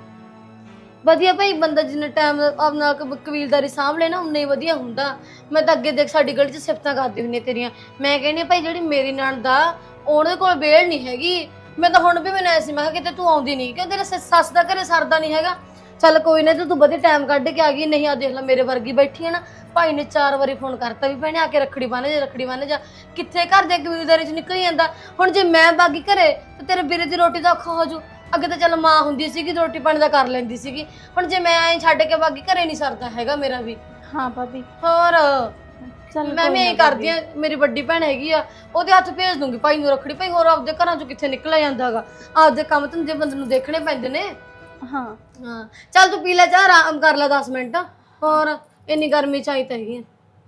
[SPEAKER 5] ਵਧੀਆ ਭਾਈ, ਬੰਦਾ ਜਿੰਨਾ ਟਾਈਮ ਆਪਣਾ ਕਬੀਲਦਾਰੀ ਸਾਂਭ ਲੈ ਨਾ ਉਨਾ ਹੀ ਵਧੀਆ ਹੁੰਦਾ। ਮੈਂ ਤਾਂ ਅੱਗੇ ਦੇਖ ਸਾਡੀ ਗਲੀ 'ਚ ਸਿਫਤਾਂ ਕਰਦੀ ਹੁੰਦੀ ਤੇਰੀਆਂ। ਮੈਂ ਕਹਿੰਦੀ ਭਾਈ ਜਿਹੜੀ ਮੇਰੀ ਨਣਦ ਆ ਉਹਦੇ ਕੋਲ ਵੇਲ ਨਹੀਂ ਹੈਗੀ। ਮੈਂ ਤਾਂ ਹੁਣ ਵੀ ਮੈਨੂੰ ਐਸੀ, ਮੈਂ ਕਿਹਾ ਕਿਤੇ ਤੂੰ ਆਉਂਦੀ ਨਹੀਂ, ਕਿਉਂ ਤੇਰੇ ਸੱਸ ਦਾ ਘਰੇ ਸਰਦਾ ਨਹੀਂ ਹੈਗਾ। ਚੱਲ ਕੋਈ ਨਾ, ਤੂੰ ਵਧੀਆ ਟਾਈਮ ਕੱਢ ਕੇ ਆ ਗਈ। ਨਹੀਂ ਆ ਦੇਖ ਲੈ ਮੇਰੇ ਵਰਗੀ ਬੈਠੀ ਹੈ ਨਾ, ਭਾਈ ਨੇ 4 ਵਾਰੀ ਫੋਨ ਕਰਤਾ ਵੀ ਭੈਣੇ ਆ ਕੇ ਰੱਖੜੀ ਬੰਨ੍ਹ ਜਾ, ਰੱਖੜੀ ਬੰਨ੍ਹ ਜਾ। ਕਿੱਥੇ ਘਰ ਦੇ ਕਬੀਲਦਾਰੀ 'ਚ ਨਿਕਲ ਜਾਂਦਾ। ਹੁਣ ਜੇ ਮੈਂ ਬਾਗੀ ਘਰੇ ਤੇ ਤੇਰੇ ਵੀਰੇ ਦੀ ਰੋਟੀ ਦਾ ਔਖਾ ਹੋ ਜੂ। ਅੱਗੇ ਤਾਂ ਚੱਲ ਮਾਂ ਹੁੰਦੀ ਸੀਗੀ, ਰੋਟੀ ਪਾਣੀ ਦਾ ਕਰ ਲੈਂਦੀ ਸੀਗੀ। ਹੁਣ ਜੇ ਮੈਂ ਐਂ ਛੱਡ ਕੇ ਬਾਗੀ ਘਰੇ ਨਹੀਂ ਸਰਦਾ ਹੈਗਾ ਮੇਰਾ ਵੀ।
[SPEAKER 2] ਹਾਂ ਭਾਬੀ।
[SPEAKER 5] ਹੋਰ
[SPEAKER 2] ਚੱਲ
[SPEAKER 5] ਮੈਂ ਵੀ ਐਂ ਕਰਦੀ ਆ, ਮੇਰੀ ਵੱਡੀ ਭੈਣ ਹੈਗੀ ਆ, ਉਹਦੇ ਹੱਥ ਭੇਜ ਦੂੰਗੀ ਭਾਈ ਨੂੰ ਰੱਖੜੀ। ਭਾਈ ਹੋਰ ਆਪਦੇ ਘਰਾਂ 'ਚੋਂ ਕਿੱਥੇ ਨਿਕਲਿਆ ਜਾਂਦਾ ਹੈਗਾ, ਆਪਦੇ ਕੰਮ ਧੰਦੇ ਬੰਦੇ ਨੂੰ ਦੇਖਣੇ ਪੈਂਦੇ ਨੇ।
[SPEAKER 2] ਹਾਂ
[SPEAKER 5] ਹਾਂ ਚੱਲ ਤੂੰ ਪੀ ਲੈ ਚਾਹ, ਆਰਾਮ ਕਰ ਲੈ 10 ਮਿੰਟ। ਹੋਰ ਇੰਨੀ ਗਰਮੀ 'ਚ ਆਈ ਤਾਂ ਹੈਗੀ।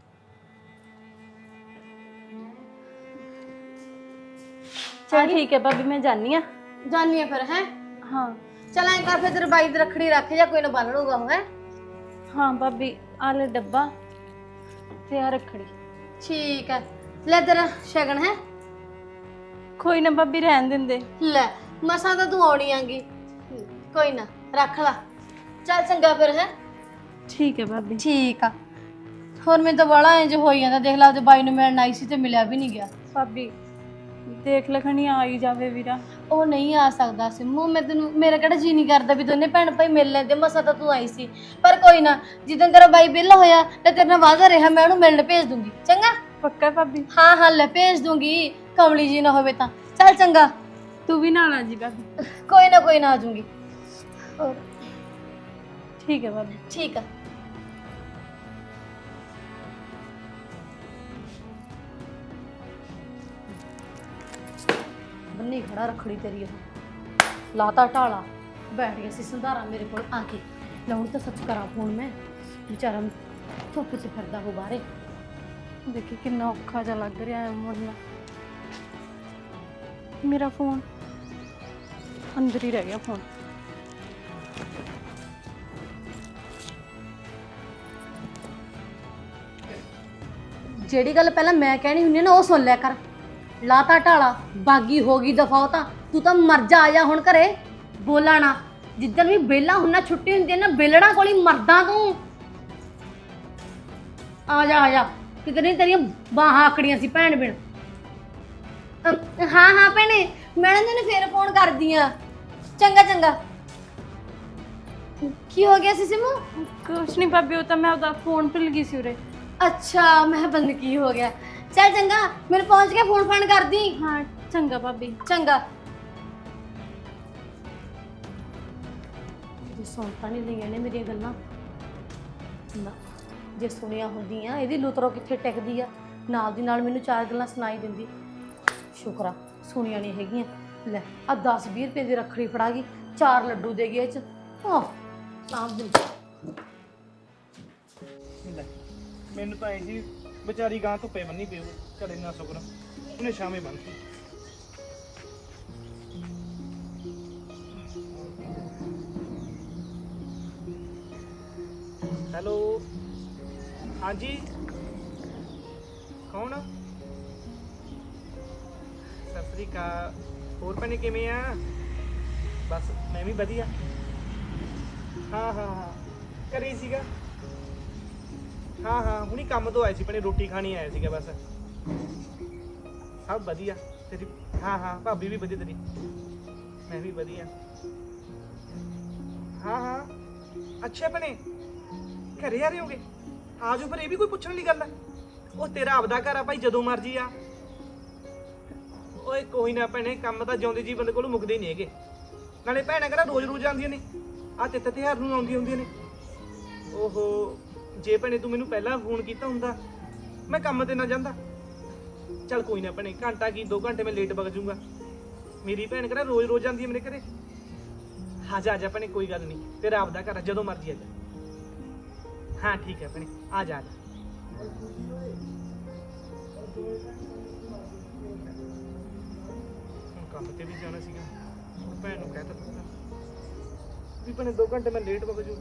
[SPEAKER 2] ਚਲ ਠੀਕ ਹੈ ਭਾਬੀ, ਮੈਂ ਜਾਨੀ ਆ।
[SPEAKER 5] ਜਾਨੀ ਆ ਫਿਰ, ਹੈ
[SPEAKER 2] ਹਾਂ
[SPEAKER 5] ਚੱਲ ਐਂ ਕਰ ਫਿਰ ਤੇਰੇ ਬਾਈ ਦੀ ਰੱਖੜੀ ਰੱਖ ਜਾ, ਕੋਈ ਨਾ ਬੰਨ ਲੂਗਾ ਉਹ। ਹੈ
[SPEAKER 2] ਹਾਂ ਭਾਬੀ, ਆ ਲੈ ਡੱਬਾ ਤੇ ਆ ਰੱਖੜੀ।
[SPEAKER 5] ਠੀਕ ਹੈ, ਲੈ ਤੇਰਾ ਸ਼ਗਨ। ਹੈ
[SPEAKER 2] ਕੋਈ ਨਾ ਭਾਬੀ, ਰਹਿਣ ਦਿੰਦੇ।
[SPEAKER 5] ਲੈ ਮਸਾਂ ਤਾਂ ਤੂੰ ਆਉਣੀ ਆਂਗੀ, ਕੋਈ ਨਾ ਰੱਖ ਲਾ। ਚੱਲ ਚੰਗਾ ਫਿਰ। ਹੈ
[SPEAKER 2] ਠੀਕ ਹੈ ਭਾਬੀ।
[SPEAKER 5] ਠੀਕ ਆ। ਹੋਰ ਮੈਨੂੰ ਤਾਂ ਬੜਾ ਇੰਜ ਹੋਈ ਜਾਂਦਾ, ਦੇਖ ਲਾ ਉਹਦੇ ਬਾਈ ਨੂੰ ਮਿਲਣ ਆਈ ਸੀ ਤੇ ਮਿਲਿਆ ਵੀ ਨਹੀਂ ਗਿਆ।
[SPEAKER 2] ਭਾਬੀ ਦੇਖ ਲਖਣੀ ਆ ਹੀ ਜਾਵੇ ਵੀਰਾ।
[SPEAKER 5] ਉਹ ਨਹੀਂ ਆ ਸਕਦਾ ਸਿੰਮੂ, ਮੈਂ ਤੈਨੂੰ, ਮੇਰਾ ਕਿਹੜਾ ਜੀ ਨਹੀਂ ਕਰਦਾ ਵੀ ਦੋਨੇ ਭੈਣ ਭਾਈ ਮਿਲ ਲੈਂਦੇ। ਮਸਾ ਤਾਂ ਤੂੰ ਆਈ ਸੀ, ਪਰ ਕੋਈ ਨਾ, ਜਿੱਦਾਂ ਤੇਰਾ ਬਾਈ ਵਿਹਲਾ ਹੋਇਆ ਤੇ ਤੇਰੇ ਨਾਲ ਵਾਅਦਾ ਰਿਹਾ, ਮੈਂ ਉਹਨੂੰ ਮਿਲਣ ਭੇਜ ਦੂੰਗੀ। ਚੰਗਾ?
[SPEAKER 2] ਪੱਕਾ ਭਾਬੀ?
[SPEAKER 5] ਹਾਂ ਹਾਂ ਲੈ ਭੇਜ ਦੂੰਗੀ, ਕਮਲੀ ਜੀ ਨਾ ਹੋਵੇ ਤਾਂ। ਚੱਲ ਚੰਗਾ,
[SPEAKER 2] ਤੂੰ ਵੀ ਨਾਲ ਆ ਜੀ ਭਾਬੀ।
[SPEAKER 5] ਕੋਈ ਨਾ ਆ ਜਾਊਂਗੀ। ਹੋਰ
[SPEAKER 2] ਠੀਕ ਹੈ ਭਾਬੀ।
[SPEAKER 5] ਠੀਕ ਆ। ਬੰਨੀ ਖੜਾ ਰੱਖੜੀ ਤੇਰੀ, ਉਹ ਲਾਤਾ ਢਾਲਾ, ਬੈਠ ਗਿਆ ਸੀ ਸੰਧਾਰਾ ਮੇਰੇ ਕੋਲ ਆ ਕੇ। ਲਾਉਣ ਤਾਂ ਸੱਚ ਕਰਾਂ ਫੋਨ ਮੈਂ, ਵਿਚਾਰਾ ਧੁੱਪ 'ਚ ਫਿਰਦਾ ਹੋ ਬਾਹਰੇ।
[SPEAKER 2] ਦੇਖੀ ਕਿੰਨਾ ਔਖਾ ਜਿਹਾ ਲੱਗ ਰਿਹਾ ਹੈ ਮੁੜਨਾ। ਮੇਰਾ ਫੋਨ ਅੰਦਰ ਹੀ ਰਹਿ ਗਿਆ। ਫੋਨ
[SPEAKER 5] ਜਿਹੜੀ ਗੱਲ ਪਹਿਲਾਂ ਮੈਂ ਕਹਿਣੀ ਹੁੰਦੀ ਆ ਨਾ ਉਹ ਸੁਣ ਲਿਆ ਕਰ। ਲਾਤਾ ਢਾਲਾ ਬਾਗੀ ਹੋ ਗਈ ਦਫਾ ਤਾਂ ਤੂੰ ਤਾਂ ਮਰ ਜਾ, ਆ ਜਾ ਹੁਣ ਘਰੇ, ਬੋਲਾ ਨਾ। ਜਿੱਦਣ ਵੀ ਵਿਹਲਾ ਹੁੰਨਾ ਛੁੱਟੀ ਹੁੰਦੀ ਹੈ ਨਾ ਬੇਲੜਾ ਕੋਲ ਹੀ ਮਰਦਾ ਤੂੰ। ਆ ਜਾ ਕਿਤੇ ਨਹੀਂ ਤੇਰੀਆਂ ਬਾਹਾਂ ਆਕੜੀਆਂ ਸੀ ਭੈਣ ਬਿਨ। ਹਾਂ ਭੈਣੇ ਮੈਂ ਨਾ ਤੈਨੂੰ ਫੇਰ ਫੋਨ ਕਰਦੀ ਆ। ਚੰਗਾ। ਕੀ ਹੋ ਗਿਆ ਸੀ ਸਿਮੂ?
[SPEAKER 2] ਕੁਛ ਨਹੀਂ ਭਾਬੀ, ਉਹ ਤਾਂ ਮੈਂ ਉਹਦਾ ਫੋਨ ਭੁੱਲ ਗਈ ਸੀ ਉਰੇ।
[SPEAKER 5] ਅੱਛਾ ਮੈਂ ਬੰਦ ਕੀ ਹੋ ਗਿਆ। ਚੱਲ ਚੰਗਾ ਮੈਨੂੰ ਪਹੁੰਚ ਕੇ ਫੋਨ ਫਾਨ ਕਰਦੀ।
[SPEAKER 2] ਹਾਂ ਚੰਗਾ ਭਾਬੀ।
[SPEAKER 5] ਚੰਗਾ। ਜੇ ਸੁਣ ਤਾਂ ਨਹੀਂ ਲਈਆਂ ਨੇ ਮੇਰੀਆਂ ਗੱਲਾਂ ਨਾ, ਜੇ ਸੁਣਿਆ ਹੁੰਦੀਆਂ ਇਹਦੀ ਲੁਤਰੋ ਕਿੱਥੇ ਟਿਕਦੀ ਆ, ਨਾਲ ਦੀ ਨਾਲ ਮੈਨੂੰ 4 ਗੱਲਾਂ ਸੁਣਾਈ ਦਿੰਦੀ। ਸ਼ੁਕਰ ਆ ਸੁਣੀਆਂ ਨਹੀਂ ਹੈਗੀਆਂ। ਲੈ ਆ 10-20 ਰੁਪਏ ਦੀ ਰੱਖੜੀ ਫੜਾ ਗਈ, 4 ਲੱਡੂ ਦੇ ਗਏ ਇਹ ਚ। ਆਹ ਸਾਂਭ ਦਿੰਦੀ।
[SPEAKER 6] ਲੈ ਮੈਨੂੰ ਤਾਂ ਐ ਜੀ ਵਿਚਾਰੀ ਗਾਂ ਧੁੱਪੇ ਬੰਨੀ ਪਈ ਘਰੇ ਨਾ ਸੁਕਰ ਉਹਨੇ ਸ਼ਾਮੇ ਬੰਨਤੀ। ਹੈਲੋ ਹਾਂਜੀ ਕੌਣ? ਸਤਿ ਸ੍ਰੀ ਅਕਾਲ। ਹੋਰ ਭੈਣੇ ਕਿਵੇਂ ਆ? ਬਸ ਮੈਂ ਵੀ ਵਧੀਆ। ਹਾਂ ਘਰੇ ਹੀ ਸੀਗਾ। ਹਾਂ ਹੁਣੀ ਕੰਮ ਤੋਂ ਆਏ ਸੀ ਭੈਣੇ, ਰੋਟੀ ਖਾਣੀ ਆਇਆ ਸੀਗਾ ਬਸ। ਸਭ ਵਧੀਆ ਤੇਰੀ? ਹਾਂ ਭਾਬੀ ਵੀ ਵਧੀਆ ਤੇਰੀ? ਮੈਂ ਵੀ ਵਧੀਆ। ਹਾਂ ਅੱਛਾ ਭੈਣੇ ਘਰੇ ਆ ਰਹੇ ਹੋਗੇ? ਆ ਜਾਓ ਫਿਰ, ਇਹ ਵੀ ਕੋਈ ਪੁੱਛਣ ਵਾਲੀ ਗੱਲ ਹੈ? ਉਹ ਤੇਰਾ ਆਪਦਾ ਘਰ ਆ ਭਾਈ, ਜਦੋਂ ਮਰਜੀ ਆ। ਓਏ ਕੋਈ ਨਾ ਭੈਣੇ, ਕੰਮ ਤਾਂ ਜਿਉਂਦੇ ਜੀ ਬੰਦੇ ਕੋਲੋਂ ਮੁੱਕਦੇ ਨਹੀਂ ਹੈਗੇ। ਨਾਲੇ ਭੈਣਾਂ ਕਿਹੜਾ ਰੋਜ਼ ਆਉਂਦੀਆਂ ਨੇ, ਆ ਤਿੱਥ ਤਿਉਹਾਰ ਨੂੰ ਆਉਂਦੀਆਂ ਹੁੰਦੀਆਂ ਨੇ। ਓਹੋ ਜੇ ਭੈਣੇ ਤੂੰ ਮੈਨੂੰ ਪਹਿਲਾਂ ਫੋਨ ਕੀਤਾ ਹੁੰਦਾ ਮੈਂ ਕੰਮ ਤੇ ਨਾ ਜਾਂਦਾ। ਚੱਲ ਕੋਈ ਨਾ ਭੈਣੇ, ਘੰਟਾ ਕੀ 2 ਘੰਟੇ ਮੈਂ ਲੇਟ ਵਗ ਜਾਊਂਗਾ। ਮੇਰੀ ਭੈਣ ਕਿਹੜਾ ਰੋਜ਼ ਆਉਂਦੀ ਹੈ ਮੇਰੇ ਘਰੇ। ਆ ਜਾ ਭੈਣੇ, ਕੋਈ ਗੱਲ ਨਹੀਂ, ਤੇਰਾ ਆਪਦਾ ਘਰ ਆ, ਜਦੋਂ ਮਰਜੀ ਆ ਜਾ। ਹਾਂ ਠੀਕ ਹੈ ਭੈਣੇ, ਆ ਜਾ। ਕੰਮ ਤੇ ਵੀ ਜਾਣਾ ਸੀਗਾ, ਭੈਣ ਨੂੰ ਕਹਿ ਦਿੱਤਾ ਵੀ ਭੈਣੇ 2 ਘੰਟੇ ਮੈਂ ਲੇਟ ਵਗ ਜੂ।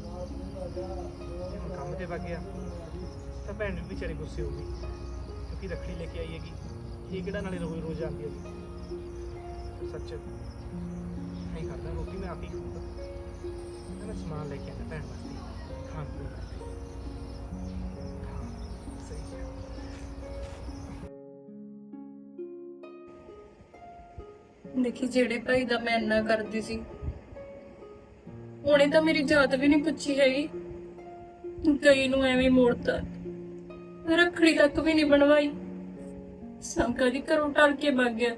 [SPEAKER 6] ਕੰਮ ਤੇ ਵਗ ਗਿਆ ਤਾਂ ਭੈਣ ਨੂੰ ਵਿਚਾਰੀ ਗੁੱਸੇ ਹੋ ਗਈ, ਕਿਉਂਕਿ ਰੱਖੜੀ ਲੈ ਕੇ ਆਈ ਹੈਗੀ। ਇਹ ਕਿਹੜਾ ਨਾਲੇ ਰੋਜ਼ ਆਉਂਦੀ ਹੈ। ਸੱਚ ਨਹੀਂ ਕਰਦਾ, ਰੋਟੀ ਮੈਂ ਆਪ ਹੀ ਖਾਊਂਗਾ। ਮੈਂ ਸਮਾਨ ਲੈ ਕੇ ਆਉਂਦਾ ਭੈਣ ਵਾਸਤੇ ਖਾਣ ਪੀਣ ਵਾਸਤੇ। ਸਹੀ ਹੈ।
[SPEAKER 2] ਦੇਖੀ ਜਿਹੜੇ ਭਾਈ ਦਾ ਮੈਂ ਇੰਨਾ ਕਰਦੀ ਸੀ ਉਹਨੇ ਤਾਂ ਮੇਰੀ ਜਾਤ ਵੀ ਨਹੀਂ ਪੁੱਛੀ ਹੈਗੀ, ਕਈ ਨੂੰ ਐਵੇਂ ਮੋੜਤਾ, ਰੱਖੜੀ ਤੱਕ ਵੀ ਨਹੀਂ ਬਣਵਾਈ। ਸੰਕਾ ਦੀ ਘਰੋਂ ਟਲ ਕੇ ਭੱਗ ਗਿਆ।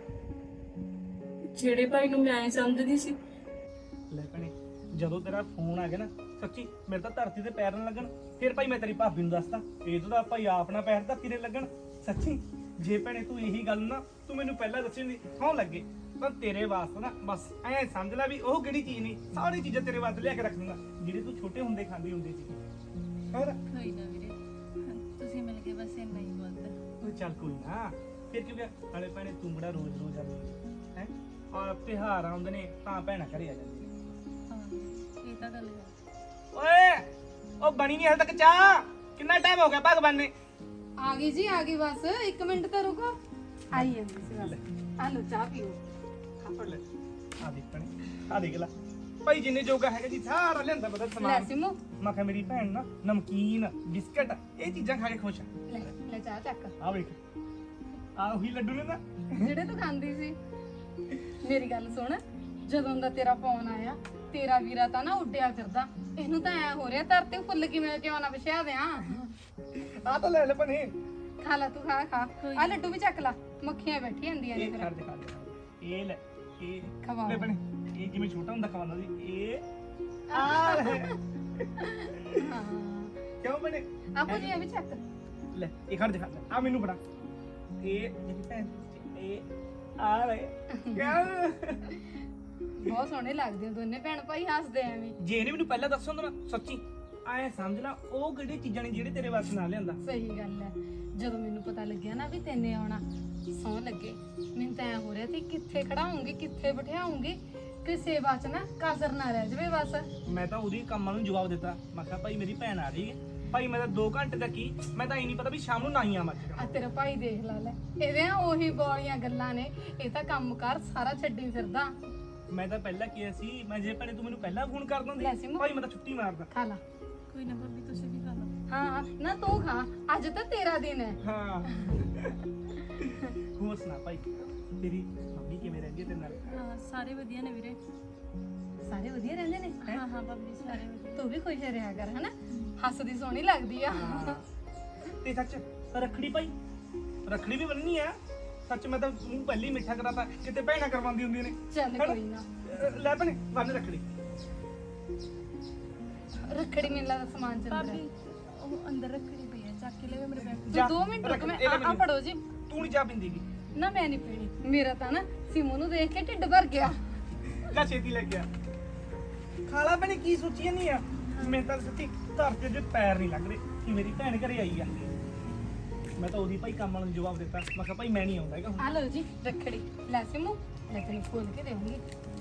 [SPEAKER 2] ਜਿਹੜੇ ਭਾਈ ਨੂੰ ਮੈਂ ਐਂ ਸਮਝਦੀ ਸੀ।
[SPEAKER 6] ਲੈ ਭੈਣੇ ਜਦੋਂ ਤੇਰਾ ਫੋਨ ਆ ਗਿਆ ਨਾ, ਸੱਚੀ ਮੇਰੇ ਤਾਂ ਧਰਤੀ ਤੇ ਪੈਰ ਨਾ ਲੱਗਣ। ਫਿਰ ਭਾਈ ਮੈਂ ਤੇਰੀ ਭਾਬੀ ਨੂੰ ਦੱਸਦਾ, ਇਹ ਤਾਂ ਭਾਈ ਆਪਣਾ ਪੈਰ ਧਰਤੀ ਤੇ ਲੱਗਣ। ਸੱਚੀ ਜੇ ਭੈਣੇ ਤੂੰ ਇਹੀ ਗੱਲ ਨਾ ਤੂੰ ਮੈਨੂੰ ਪਹਿਲਾਂ ਦੱਸੀ ਹੁੰਦੀ, ਹਾਂ ਲੱਗੇ। ਪਰ ਤੇਰੇ ਵਾਸਤੇ ਨਾ ਬਸ ਐਂ ਸਮਝ ਲੈ ਵੀ ਉਹ ਕਿਹੜੀ ਚੀਜ਼ ਨਹੀਂ, ਸਾਰੀ ਚੀਜ਼ਾਂ ਤੇਰੇ ਵਾਸਤੇ ਲਿਆ ਕੇ ਰੱਖ ਦੂੰਗਾ ਜਿਹੜੇ ਤੂੰ ਛੋਟੇ ਹੁੰਦੇ ਖਾਂਦੀ ਹੁੰਦੀ ਸੀ। ਹੋਰ
[SPEAKER 2] ਕੋਈ ਨਾ ਵੀਰੇ, ਤੁਸੀਂ ਮਿਲ ਕੇ ਬਸ ਇੰਨਾ ਹੀ ਬੋਲਦਾ।
[SPEAKER 6] ਉਹ ਚੱਲ ਕੋਈ ਨਾ, ਫਿਰ ਕਿਉਂ ਗਿਆ? ਨਾਲੇ ਭੈਣੇ ਤੂੰ ਬੜਾ ਰੋਜ਼ ਆਉਂਦੀ ਹੈ, ਔਰ ਤਿਉਹਾਰ ਆਉਂਦੇ ਨੇ ਤਾਂ ਭੈਣਾਂ ਘਰੇ ਆ ਜਾਂਦੀਆਂ ਨੇ।
[SPEAKER 2] ਹਾਂ ਇਹ ਤਾਂ ਗੱਲ ਹੈ।
[SPEAKER 6] ਓਏ ਉਹ ਬਣੀ ਨਹੀਂ ਹਲ ਤੱਕ ਚਾਹ, ਕਿੰਨਾ ਟਾਈਮ ਹੋ ਗਿਆ ਭਗਵਾਨ ਨੇ?
[SPEAKER 7] ਆ ਗਈ ਜੀ, ਆ ਗਈ ਬਸ 1 ਮਿੰਟ ਤਾਂ ਰੁਕੋ। ਆਈ ਜਾਂਦੀ ਸੀ ਬਸ। ਆ ਲੋ ਚਾਹ ਪੀਓ।
[SPEAKER 6] ਫੜ ਲੈ ਆ ਦੇਖ ਭੈਣੇ, ਆ ਦੇਖ ਲੈ ਭਾਈ ਜਿੰਨੇ ਜੋਗਾ ਹੈਗਾ ਜੀ ਸਾਰਾ ਲਿਆਂਦਾ ਬਦਲ
[SPEAKER 7] ਲੈ
[SPEAKER 6] ਸਮਾਨ।
[SPEAKER 7] ਸਿਮੂ
[SPEAKER 6] ਮੈਂ ਕਿਹਾ ਮੇਰੀ ਭੈਣ ਨਾ ਨਮਕੀਨ ਬਿਸਕਟ ਇਹ ਚੀਜ਼ਾਂ ਖਾ ਕੇ ਖੁਸ਼ ਆ।
[SPEAKER 7] ਲੈ ਚਾਹ ਚੱਕ,
[SPEAKER 6] ਆ ਵੇਖ ਆ ਉਹੀ ਲੱਡੂ ਨੇ ਨਾ
[SPEAKER 7] ਜਿਹੜੇ ਤੂੰ ਖਾਂਦੀ ਸੀ। ਮੇਰੀ ਗੱਲ ਸੁਣ, ਜਦੋਂ ਦਾ ਤੇਰਾ ਫੋਨ ਆਇਆ ਤੇਰਾ ਵੀਰਾ ਤਾਂ ਨਾ ਉੱਡਿਆ ਫਿਰਦਾ। ਇਹਨੂੰ ਤਾਂ ਐ ਹੋ ਰਿਹਾ ਧਰਤੀ ਫੁੱਲ ਕਿਵੇਂ ਕਿਉਂ ਨਾ ਵਿਛਿਆ ਦਿਆਂ।
[SPEAKER 6] ਆ ਤਾਂ ਲੈ ਲੈ ਭੈਣੇ,
[SPEAKER 7] ਖਾ ਲੈ ਤੂੰ, ਖਾ ਆ ਲੱਡੂ ਵੀ ਚੱਕ ਲਾ, ਮੱਖੀਆਂ ਬੈਠੀ ਜਾਂਦੀਆਂ ਨੇ
[SPEAKER 6] ਇਹ
[SPEAKER 7] ਫਿਰ।
[SPEAKER 6] ਖੜ ਦੇ ਇਹ ਲੈ ਇਹ
[SPEAKER 7] ਖਵਾ
[SPEAKER 6] ਲੈ ਭੈਣੇ, ਇਹ ਜਿਵੇਂ ਛੋਟਾ ਹੁੰਦਾ ਖਵਾਉਂਦਾ ਸੀ ਇਹ ਆ ਲੈ।
[SPEAKER 7] ਹਾਂ
[SPEAKER 6] ਕਿਉਂ ਭੈਣੇ?
[SPEAKER 7] ਆਪੋ ਜੀ ਇਹ ਵੀ ਚੱਕ
[SPEAKER 6] ਲੈ ਇਹ ਖੜ ਦਿਖਾ ਆ ਮੈਨੂੰ ਬੜਾ ਇਹ ਜਿਹੜੀ ਭੈਣ ਇਹ ਆ ਲੈ ਕਿਆ?
[SPEAKER 7] ਬਹੁਤ ਸੋਹਣੇ ਲੱਗਦੇ ਹੋ ਦੋਨੇ ਭੈਣ ਭਾਈ, ਹੱਸਦੇ ਐਵੇਂ।
[SPEAKER 6] ਜੇ ਇਹਨੇ ਮੈਨੂੰ ਪਹਿਲਾਂ ਦੱਸਿਆ ਹੁੰਦਾ ਨਾ ਸੱਚੀ ਐ ਸਮਝ ਲਾ ਉਹ ਕਿਹੜੀ ਚੀਜ਼ਾਂ ਨੇ ਜਿਹੜੇ ਤੇਰੇ ਵਾਸਤੇ ਨਾ ਲਿਆਂਦਾ।
[SPEAKER 7] ਸਹੀ ਗੱਲ ਹੈ, ਜਦੋਂ ਮੈਨੂੰ ਪਤਾ ਲੱਗਿਆ ਨਾ ਵੀ ਤੈਨੇ ਆਉਣਾ, ਸੌਂ ਲੱਗੇ ਮੈਨੂੰ ਤਾਂ ਐ ਹੋ ਰਿਹਾ ਸੀ ਕਿੱਥੇ ਖੜਾਉਂਗੀ ਕਿੱਥੇ ਬਿਠਾਉਂਗੀ, ਕਿਸੇ ਬਾਤ ਨਾ ਕਾਜ਼ਰ ਨਾ ਰਹਿ ਜਵੇ ਬਸ।
[SPEAKER 6] ਮੈਂ ਤਾਂ ਉਹਦੀ ਕੰਮਾਂ ਨੂੰ ਜਵਾਬ ਦਿੱਤਾ, ਮੈਂ ਕਿਹਾ ਭਾਈ ਮੇਰੀ ਭੈਣ ਆ ਰਹੀ ਹੈ ਭਾਈ ਮੈਂ ਤਾਂ 2 ਘੰਟੇ ਤੱਕ ਹੀ, ਮੈਂ ਤਾਂ ਇਹ ਨਹੀਂ ਪਤਾ ਵੀ ਸ਼ਾਮ ਨੂੰ ਨਾ ਹੀ ਆਵਾਂ
[SPEAKER 7] ਆ ਤੇਰਾ ਭਾਈ ਦੇਖ ਲੈ ਇਹਦੇ ਉਹੀ ਬੋਲੀਆਂ ਗੱਲਾਂ ਨੇ, ਇਹ ਤਾਂ ਕੰਮਕਾਰ ਸਾਰਾ ਛੱਡੀ ਫਿਰਦਾ।
[SPEAKER 6] ਮੈਂ ਤਾਂ ਪਹਿਲਾਂ ਕਿਹਾ ਸੀ, ਮੈਂ ਜੇ ਭੈਣੇ ਤੂੰ ਮੈਨੂੰ ਪਹਿਲਾਂ ਫੋਨ ਕਰ
[SPEAKER 7] ਲੈ
[SPEAKER 6] ਦਿੰਦੀ
[SPEAKER 7] ਸਿਮੂ।
[SPEAKER 6] ਭਾਈ ਮੈਂ ਤਾਂ ਛੁੱਟੀ ਮਾਰਦਾ।
[SPEAKER 7] ਖਾ ਲਾ।
[SPEAKER 2] ਕੋਈ ਨਾ ਭਾਬੀ ਤੁਸੀਂ ਵੀ ਖਾ ਲਓ।
[SPEAKER 7] ਹਾਂ ਨਾ ਤੂੰ ਖਾ, ਅੱਜ ਤਾਂ ਤੇਰਾ ਦਿਨ ਹੈ।
[SPEAKER 6] ਹਾਂ ਹੋਰ ਸੁਣਾ ਭਾਈ, ਤੇਰੀ ਮੰਮੀ ਕਿਵੇਂ ਰਹਿੰਦੀ ਹੈ ਤੇਰੇ ਨਾਲ?
[SPEAKER 2] ਹਾਂ ਸਾਰੇ ਵਧੀਆ ਨੇ ਵੀਰੇ।
[SPEAKER 7] ਸਾਰੇ ਵਧੀਆ ਰਹਿੰਦੇ ਨੇ।
[SPEAKER 2] ਹਾਂ ਹਾਂ ਭਾਬੀ ਸਾਰੇ ਵਧੀਆ।
[SPEAKER 7] ਤੂੰ ਵੀ ਖੁਸ਼ ਰਿਹਾ ਕਰ ਹਨਾ, ਹੱਸਦੀ ਸੋਹਣੀ ਲੱਗਦੀ ਆ।
[SPEAKER 6] ਹਾਂ। ਤੇ ਸੱਚ ਰੱਖੜੀ ਭਾਈ, ਰੱਖੜੀ ਵੀ ਬੰਨਣੀ ਆ। ਸੱਚ ਮੈਂ ਤਾਂ ਮੂੰਹ ਪਹਿਲੀ ਮਿੱਠਾ ਕਰਾਤਾ, ਕਿਤੇ ਭੈਣਾਂ ਕਰਵਾਉਂਦੀ ਹੁੰਦੀਆਂ ਨੇ।
[SPEAKER 7] ਚੱਲ ਕੋਈ ਨਾ,
[SPEAKER 6] ਲੈ ਭੈਣੇ ਬੰਨ ਰੱਖੜੀ।
[SPEAKER 7] ਰੱਖੜੀ ਮੇਲਾ ਦਾ ਸਮਾਨ ਚੱਲ
[SPEAKER 2] ਭਾਬੀ
[SPEAKER 7] ਰਿਹਾ।
[SPEAKER 2] ਉਹ ਅੰਦਰ ਰੱਖੜੀ ਪਈ ਹੈ, ਚੱਕ ਕੇ ਲੈ ਮੇਰੇ ਬੈਗ।
[SPEAKER 6] ਜਾ,
[SPEAKER 7] 2 ਮਿੰਟ ਰੁਕ,
[SPEAKER 6] ਰੱਖ,
[SPEAKER 7] ਮੈਂ
[SPEAKER 6] ਇਹ ਲੈ
[SPEAKER 7] ਆ
[SPEAKER 6] ਮੈਨੂੰ।
[SPEAKER 7] ਫੜੋ ਜੀ।
[SPEAKER 6] ਤੂੰ ਨਹੀਂ ਚਾਹ ਪੀਂਦੀ ਗੀ?
[SPEAKER 7] ਨਾ ਮੈਂ ਨਹੀਂ ਪੀਣੀ, ਮੇਰਾ ਤਾਂ ਨਾ ਸਿਮੂ ਨੂੰ ਦੇਖ ਕੇ ਢਿੱਡ ਭਰ ਗਿਆ।
[SPEAKER 6] ਲੈ ਛੇਤੀ ਲੈ ਕੇ ਆ। ਖਾਲਾ ਭੈਣੇ ਕੀ ਸੋਚੀ ਨਹੀਂ ਆ? ਮੈਂ ਤਾਂ ਸੱਚੀ ਧਰਤੀ ਦੇ ਪੈਰ ਨਹੀਂ ਲੱਗ ਰਹੇ ਕਿ ਮੇਰੀ ਭੈਣ ਘਰੇ ਆਈ ਆ। ਮੈਂ ਤਾਂ ਉਹਦੀ ਭਾਈ ਕੰਮ ਵਾਲੇ ਨੂੰ ਜਵਾਬ ਦਿੱਤਾ, ਮੈਂ ਕਿਹਾ ਭਾਈ ਮੈਂ ਨਹੀਂ ਆਉਂਦਾ ਹੈਗਾ ਹੁਣ।
[SPEAKER 7] ਆ ਲਓ ਜੀ ਰੱਖੜੀ, ਲੈ ਸਿਮੂ ਲੈ ਤੈਨੂੰ ਖੋਲ ਕੇ ਦੇਵਾਂਗੀ।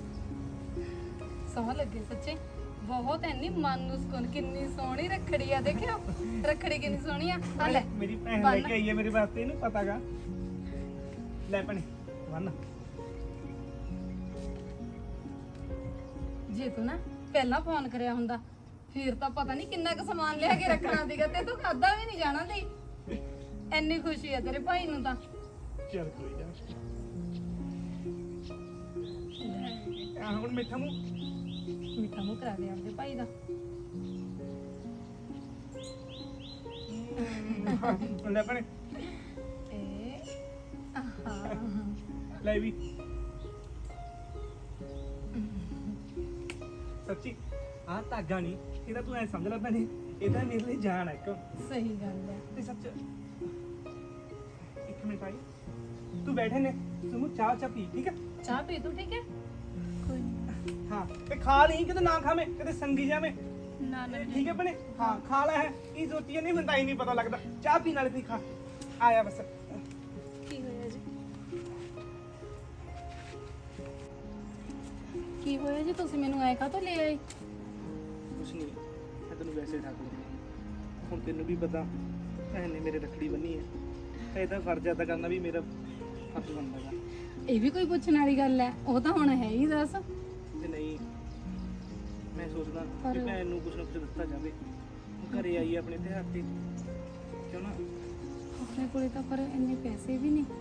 [SPEAKER 7] ਸੋਹਣਾ ਲੱਗੇ ਸੱਚੇ, ਬਹੁਤ ਐਨੀ ਮਨ ਨੂੰ ਸਕੂਨ। ਕਿੰਨੀ ਸੋਹਣੀ ਰੱਖੜੀ ਆ, ਦੇਖਿਓ ਰੱਖੜੀ ਕਿੰਨੀ ਸੋਹਣੀ ਆ। ਆ ਲੈ
[SPEAKER 6] ਮੇਰੀ ਭੈਣ ਲੈ ਕੇ ਆਈ ਹੈ ਮੇਰੇ ਵਾਸਤੇ, ਇਹਨੂੰ ਪਤਾਗਾ। ਲੈ ਭੈਣੇ ਬੰਨ।
[SPEAKER 7] ਜੇ ਤੂੰ ਨਾ ਪਹਿਲਾਂ ਫੋਨ ਕਰਿਆ ਹੁੰਦਾ ਫਿਰ ਤਾਂ ਪਤਾ ਨਹੀਂ ਕਿੰਨਾ ਕੁ ਸਮਾਨ ਲਿਆ ਕੇ ਰੱਖਣਾ ਸੀਗਾ, ਤੇ ਤੂੰ ਖਾਦਾ ਵੀ ਨਹੀਂ ਜਾਣਾ ਸੀ। ਐਨੀ ਖੁਸ਼ੀ ਆ ਤੇਰੇ ਭਾਈ ਨੂੰ ਤਾਂ।
[SPEAKER 6] ਚੱਲ ਕੋਈ ਜਾ। ਆ ਹੁਣ ਮਿੱਠਾ ਮੂੰਹ।
[SPEAKER 7] ਮਿੱਠਾ ਮੂੰਹ ਕਰਾ ਦੇ ਆਪਦੇ ਭਾਈ ਦਾ।
[SPEAKER 6] ਲੈ ਭੈਣੇ
[SPEAKER 7] ਇਹ ਆਹਾ
[SPEAKER 6] ਲੈ ਵੀ। ਸੱਚੀ ਆਹ ਧਾਗਾ ਨਹੀਂ, ਇਹਦਾ ਤੂੰ ਐ ਸਮਝ ਲੈ ਭੈਣੇ, ਇਹਦਾ ਮੇਰੇ ਲਈ ਜਾਨ ਹੈ ਇੱਕ।
[SPEAKER 7] ਸਹੀ ਗੱਲ ਹੈ।
[SPEAKER 6] ਤੇ ਸੱਚ ਇੱਕ ਮਿੰਟ ਆਈ, ਤੂੰ ਬੈਠੇ ਨੇ ਸੁਮੂ ਚਾਹ ਪੀ, ਠੀਕ ਹੈ?
[SPEAKER 7] ਚਾਹ ਪੀ ਤੂੰ, ਠੀਕ ਹੈ?
[SPEAKER 2] ਕੋਈ ਨਹੀਂ।
[SPEAKER 6] ਹਾਂ ਤੇ ਖਾ ਨਹੀਂ, ਕਿਤੇ ਨਾ ਖਾਵੇਂ, ਕਿਤੇ ਸੰਗੀ ਜਾਵੇਂ।
[SPEAKER 2] ਨਾ ਨਾ
[SPEAKER 6] ਠੀਕ ਹੈ ਭੈਣੇ? ਹਾਂ ਖਾ ਲੈ। ਹੈ ਕੀ ਸੋਚੀਏ ਨਹੀਂ ਮੈਨੂੰ ਤਾਂ ਹੀ ਨਹੀਂ ਪਤਾ ਲੱਗਦਾ। ਚਾਹ ਪੀਣ ਵਾਲੇ ਖਾ ਆਇਆ ਬਸ।
[SPEAKER 2] ਕੀ ਹੋਇਆ ਜੀ?
[SPEAKER 7] ਕੀ ਹੋਇਆ ਜੀ, ਤੁਸੀਂ ਮੈਨੂੰ ਐ ਕਾਹਤੋਂ ਲੈ ਆਏ?
[SPEAKER 6] ਕੁਛ ਨਹੀਂ, ਮੈਂ ਤੈਨੂੰ ਵੈਸੇ ਠਾਕ ਲਿਆ। ਹੁਣ ਤੈਨੂੰ ਵੀ ਪਤਾ ਭੈਣ ਨੇ ਮੇਰੇ ਰੱਖੜੀ ਬੰਨੀ ਹੈ, ਇਹਦਾ ਫਰਜ਼ ਅਦਾ ਕਰਨਾ ਵੀ ਮੇਰਾ ਫਰਜ਼ ਬਣਦਾ ਗਾ।
[SPEAKER 7] ਇਹ ਵੀ ਕੋਈ ਪੁੱਛਣ ਵਾਲੀ ਗੱਲ ਹੈ? ਉਹ ਤਾਂ ਹੁਣ ਹੈ ਹੀ, ਦੱਸ।
[SPEAKER 6] ਤੇ ਨਹੀਂ, ਮੈਂ ਸੋਚਦਾ
[SPEAKER 7] ਪਰ-
[SPEAKER 6] ਕਿ ਭੈਣ ਨੂੰ ਕੁਛ ਨਾ ਕੁਛ ਦਿੱਤਾ ਜਾਵੇ। ਉਹ ਘਰੇ ਆਈ ਹੈ ਆਪਣੇ ਤਿਉਹਾਰ ਤੇ, ਕਿਉਂ ਨਾ?
[SPEAKER 7] ਆਪਣੇ ਕੋਲੇ ਤਾਂ ਪਰ ਇੰਨੇ ਪੈਸੇ ਵੀ ਨਹੀਂ।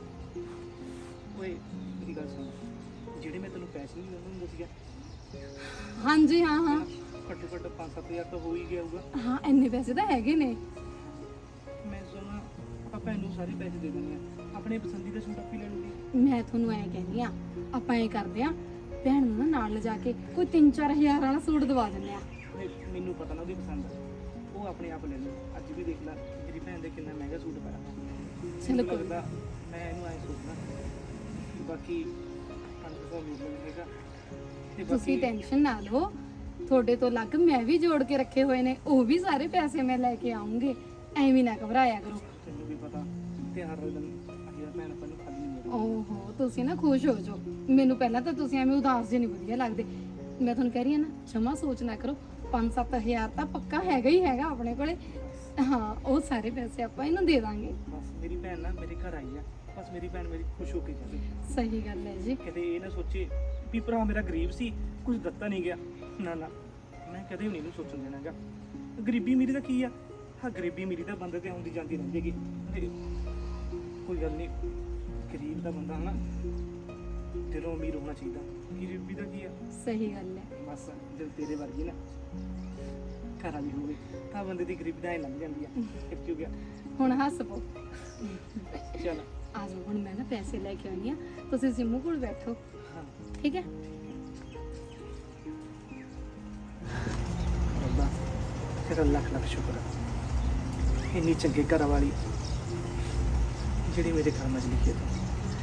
[SPEAKER 6] ਓਏ ਮੇਰੀ ਗੱਲ ਸੁਣ, ਜਿਹੜੇ ਮੈਂ ਤੈਨੂੰ ਪੈਸੇ ਨਹੀਂ ਦਿੰਦਾ ਹੁੰਦਾ ਸੀਗਾ,
[SPEAKER 7] ਹਾਂਜੀ ਹਾਂ ਹਾਂ
[SPEAKER 6] ਘੱਟੋ ਘੱਟ 5-7 ਹਜ਼ਾਰ ਤਾਂ ਹੋ ਹੀ ਗਿਆ ਹੋਊਗਾ।
[SPEAKER 7] ਹਾਂ, ਇੰਨੇ ਪੈਸੇ ਤਾਂ ਹੈਗੇ ਨੇ।
[SPEAKER 6] ਮੈਂ ਸੋਚਦਾ ਆਪਾਂ ਭੈਣ ਨੂੰ ਸਾਰੇ ਪੈਸੇ ਦੇ ਦਿੰਦੇ ਆ, ਆਪਣੇ ਪਸੰਦੀਦਾ ਸੂਟ ਆਪੀ ਲੈ ਲੂਗੀ।
[SPEAKER 7] ਮੈਂ ਤੁਹਾਨੂੰ ਐ ਕਹਿੰਦੀ ਆ, ਆਪਾਂ ਐ ਕਰਦੇ ਆ, ਭੈਣ ਨੂੰ ਨਾ ਨਾਲ ਲਿਜਾ ਕੇ ਕੋਈ 3-4 ਹਜ਼ਾਰ ਵਾਲਾ ਸੂਟ ਦਵਾ ਦਿੰਦੇ ਆ।
[SPEAKER 6] ਮੈਨੂੰ ਪਤਾ ਨਾ ਉਹਦੀ ਪਸੰਦ ਆ, ਉਹ ਆਪਣੇ ਆਪ ਲੈ ਲੂ। ਅੱਜ ਵੀ ਦੇਖ ਲੈ ਮੇਰੀ ਭੈਣ ਦੇ ਕਿੰਨਾ ਮਹਿੰਗਾ ਸੂਟ ਪਾਇਆ।
[SPEAKER 7] ਚਲੋ
[SPEAKER 6] ਮੈਨੂੰ
[SPEAKER 7] ਕੋਈ
[SPEAKER 6] ਲੱਗਦਾ ਮੈਂ ਇਹਨੂੰ ਐ ਸੋਚਦਾ ਕਿ ਬਾਕੀ 500 ਮਿਲ ਜਾਏਗਾ ਤੇ
[SPEAKER 7] ਤੁਸੀਂ ਟੈਨਸ਼ਨ ਨਾ ਲਓ, ਤੁਹਾਡੇ ਤੋਂ ਅਲੱਗ ਮੈਂ ਵੀ ਜੋੜ ਕੇ ਰੱਖੇ ਹੋਏ ਨੇ, ਉਹ ਵੀ ਸਾਰੇ ਪੈਸੇ ਮੈਂ ਲੈ ਕੇ ਆਉਂਗੇ। ਐਵੇਂ ਨਾ ਘਬਰਾਇਆ ਕਰੋ।
[SPEAKER 6] ਤੈਨੂੰ ਵੀ ਪਤਾ ਤਿਉਹਾਰ ਵਾਲੇ ਦਿਨ ਅਜਿਹਾ ਭੈਣ ਆਪਾਂ ਨੂੰ ਖਾਲੀ ਨਹੀਂ ਮਿਲਦਾ।
[SPEAKER 7] ਓਹੋ, ਤੁਸੀਂ ਨਾ ਖੁਸ਼ ਹੋ ਜਾਓ। ਮੈਨੂੰ ਪਹਿਲਾਂ ਤਾਂ ਤੁਸੀਂ ਐਵੇਂ ਉਦਾਸ ਜਿਹੇ ਨਹੀਂ ਵਧੀਆ ਲੱਗਦੇ। ਮੈਂ ਤੁਹਾਨੂੰ ਕਹਿ ਰਹੀ ਹਾਂ ਨਾ, ਜਮਾ ਸੋਚ ਨਾ ਕਰੋ। 5-7 ਹਜ਼ਾਰ ਤਾਂ ਪੱਕਾ ਹੈਗਾ ਹੀ ਹੈਗਾ ਆਪਣੇ ਕੋਲੇ। ਹਾਂ, ਉਹ ਸਾਰੇ ਪੈਸੇ ਆਪਾਂ ਇਹਨੂੰ ਦੇ ਦਾਂਗੇ।
[SPEAKER 6] ਬਸ ਮੇਰੀ ਭੈਣ ਨਾ ਮੇਰੇ ਘਰ ਆਈ ਆ, ਬਸ ਮੇਰੀ ਭੈਣ ਮੇਰੀ ਖੁਸ਼ ਹੋ ਕੇ ਜਾਵੇ।
[SPEAKER 7] ਸਹੀ ਗੱਲ ਹੈ ਜੀ।
[SPEAKER 6] ਕਦੇ ਇਹ ਨਾ ਸੋਚੇ ਵੀ ਭਰਾ ਮੇਰਾ ਗਰੀਬ ਸੀ, ਕੁਝ ਦਿੱਤਾ ਨਹੀਂ ਗਿਆ। ਨਾ ਨਾ, ਮੈਂ ਕਦੇ ਵੀ ਨਹੀਂ ਇਹਨੂੰ ਸੋਚਣ ਦੇਣਾਗਾ। ਗਰੀਬੀ ਮੇਰੀ ਦਾ ਕੀ ਆ? ਹਾਂ, ਗਰੀਬੀ ਮੇਰੀ ਤਾਂ ਬੰਦੇ ਤੇ ਆਉਂਦੀ ਜਾਂਦੀ ਰਹਿੰਦੀ ਹੈਗੀ। ਕੋਈ ਗੱਲ ਨਹੀਂ, ਗਰੀਬ ਦਾ ਬੰਦਾ ਹਨਾ ਦਿਲੋਂ ਅਮੀਰ ਹੋਣਾ ਚਾਹੀਦਾ। ਗਰੀਬੀ ਦਾ ਕੀ ਆ?
[SPEAKER 7] ਸਹੀ ਗੱਲ ਹੈ।
[SPEAKER 6] ਬਸ ਦਿਲ ਤੇਰੇ ਵਰਗੀ ਨਾ ਘਰ ਵਾਲੀ ਹੋਵੇ ਤਾਂ ਬੰਦੇ ਦੀ ਗਰੀਬੀ ਦਾ ਹੀ ਲੰਘ ਜਾਂਦੀ ਆ। ਫਿਰ ਕੀ ਹੋ ਗਿਆ?
[SPEAKER 7] ਹੁਣ ਹੱਸ ਪੋ।
[SPEAKER 6] ਚੱਲ
[SPEAKER 7] ਆ ਜਾਓ, ਹੁਣ ਮੈਂ ਨਾ ਪੈਸੇ ਲੈ ਕੇ ਆਉਣੀ ਆ, ਤੁਸੀਂ ਸਿੰਮੂ ਕੋਲ ਬੈਠੋ,
[SPEAKER 6] ਹਾਂ
[SPEAKER 7] ਠੀਕ ਹੈ?
[SPEAKER 6] ਰੱਬਾ ਤੇਰਾ ਲੱਖ ਲੱਖ ਸ਼ੁਕਰ ਆ, ਇੰਨੀ ਚੰਗੇ ਘਰ ਵਾਲੀ ਜਿਹੜੀ ਮੇਰੇ ਕਰਮਾਂ 'ਚ ਲਿਖੀ ਹੈ।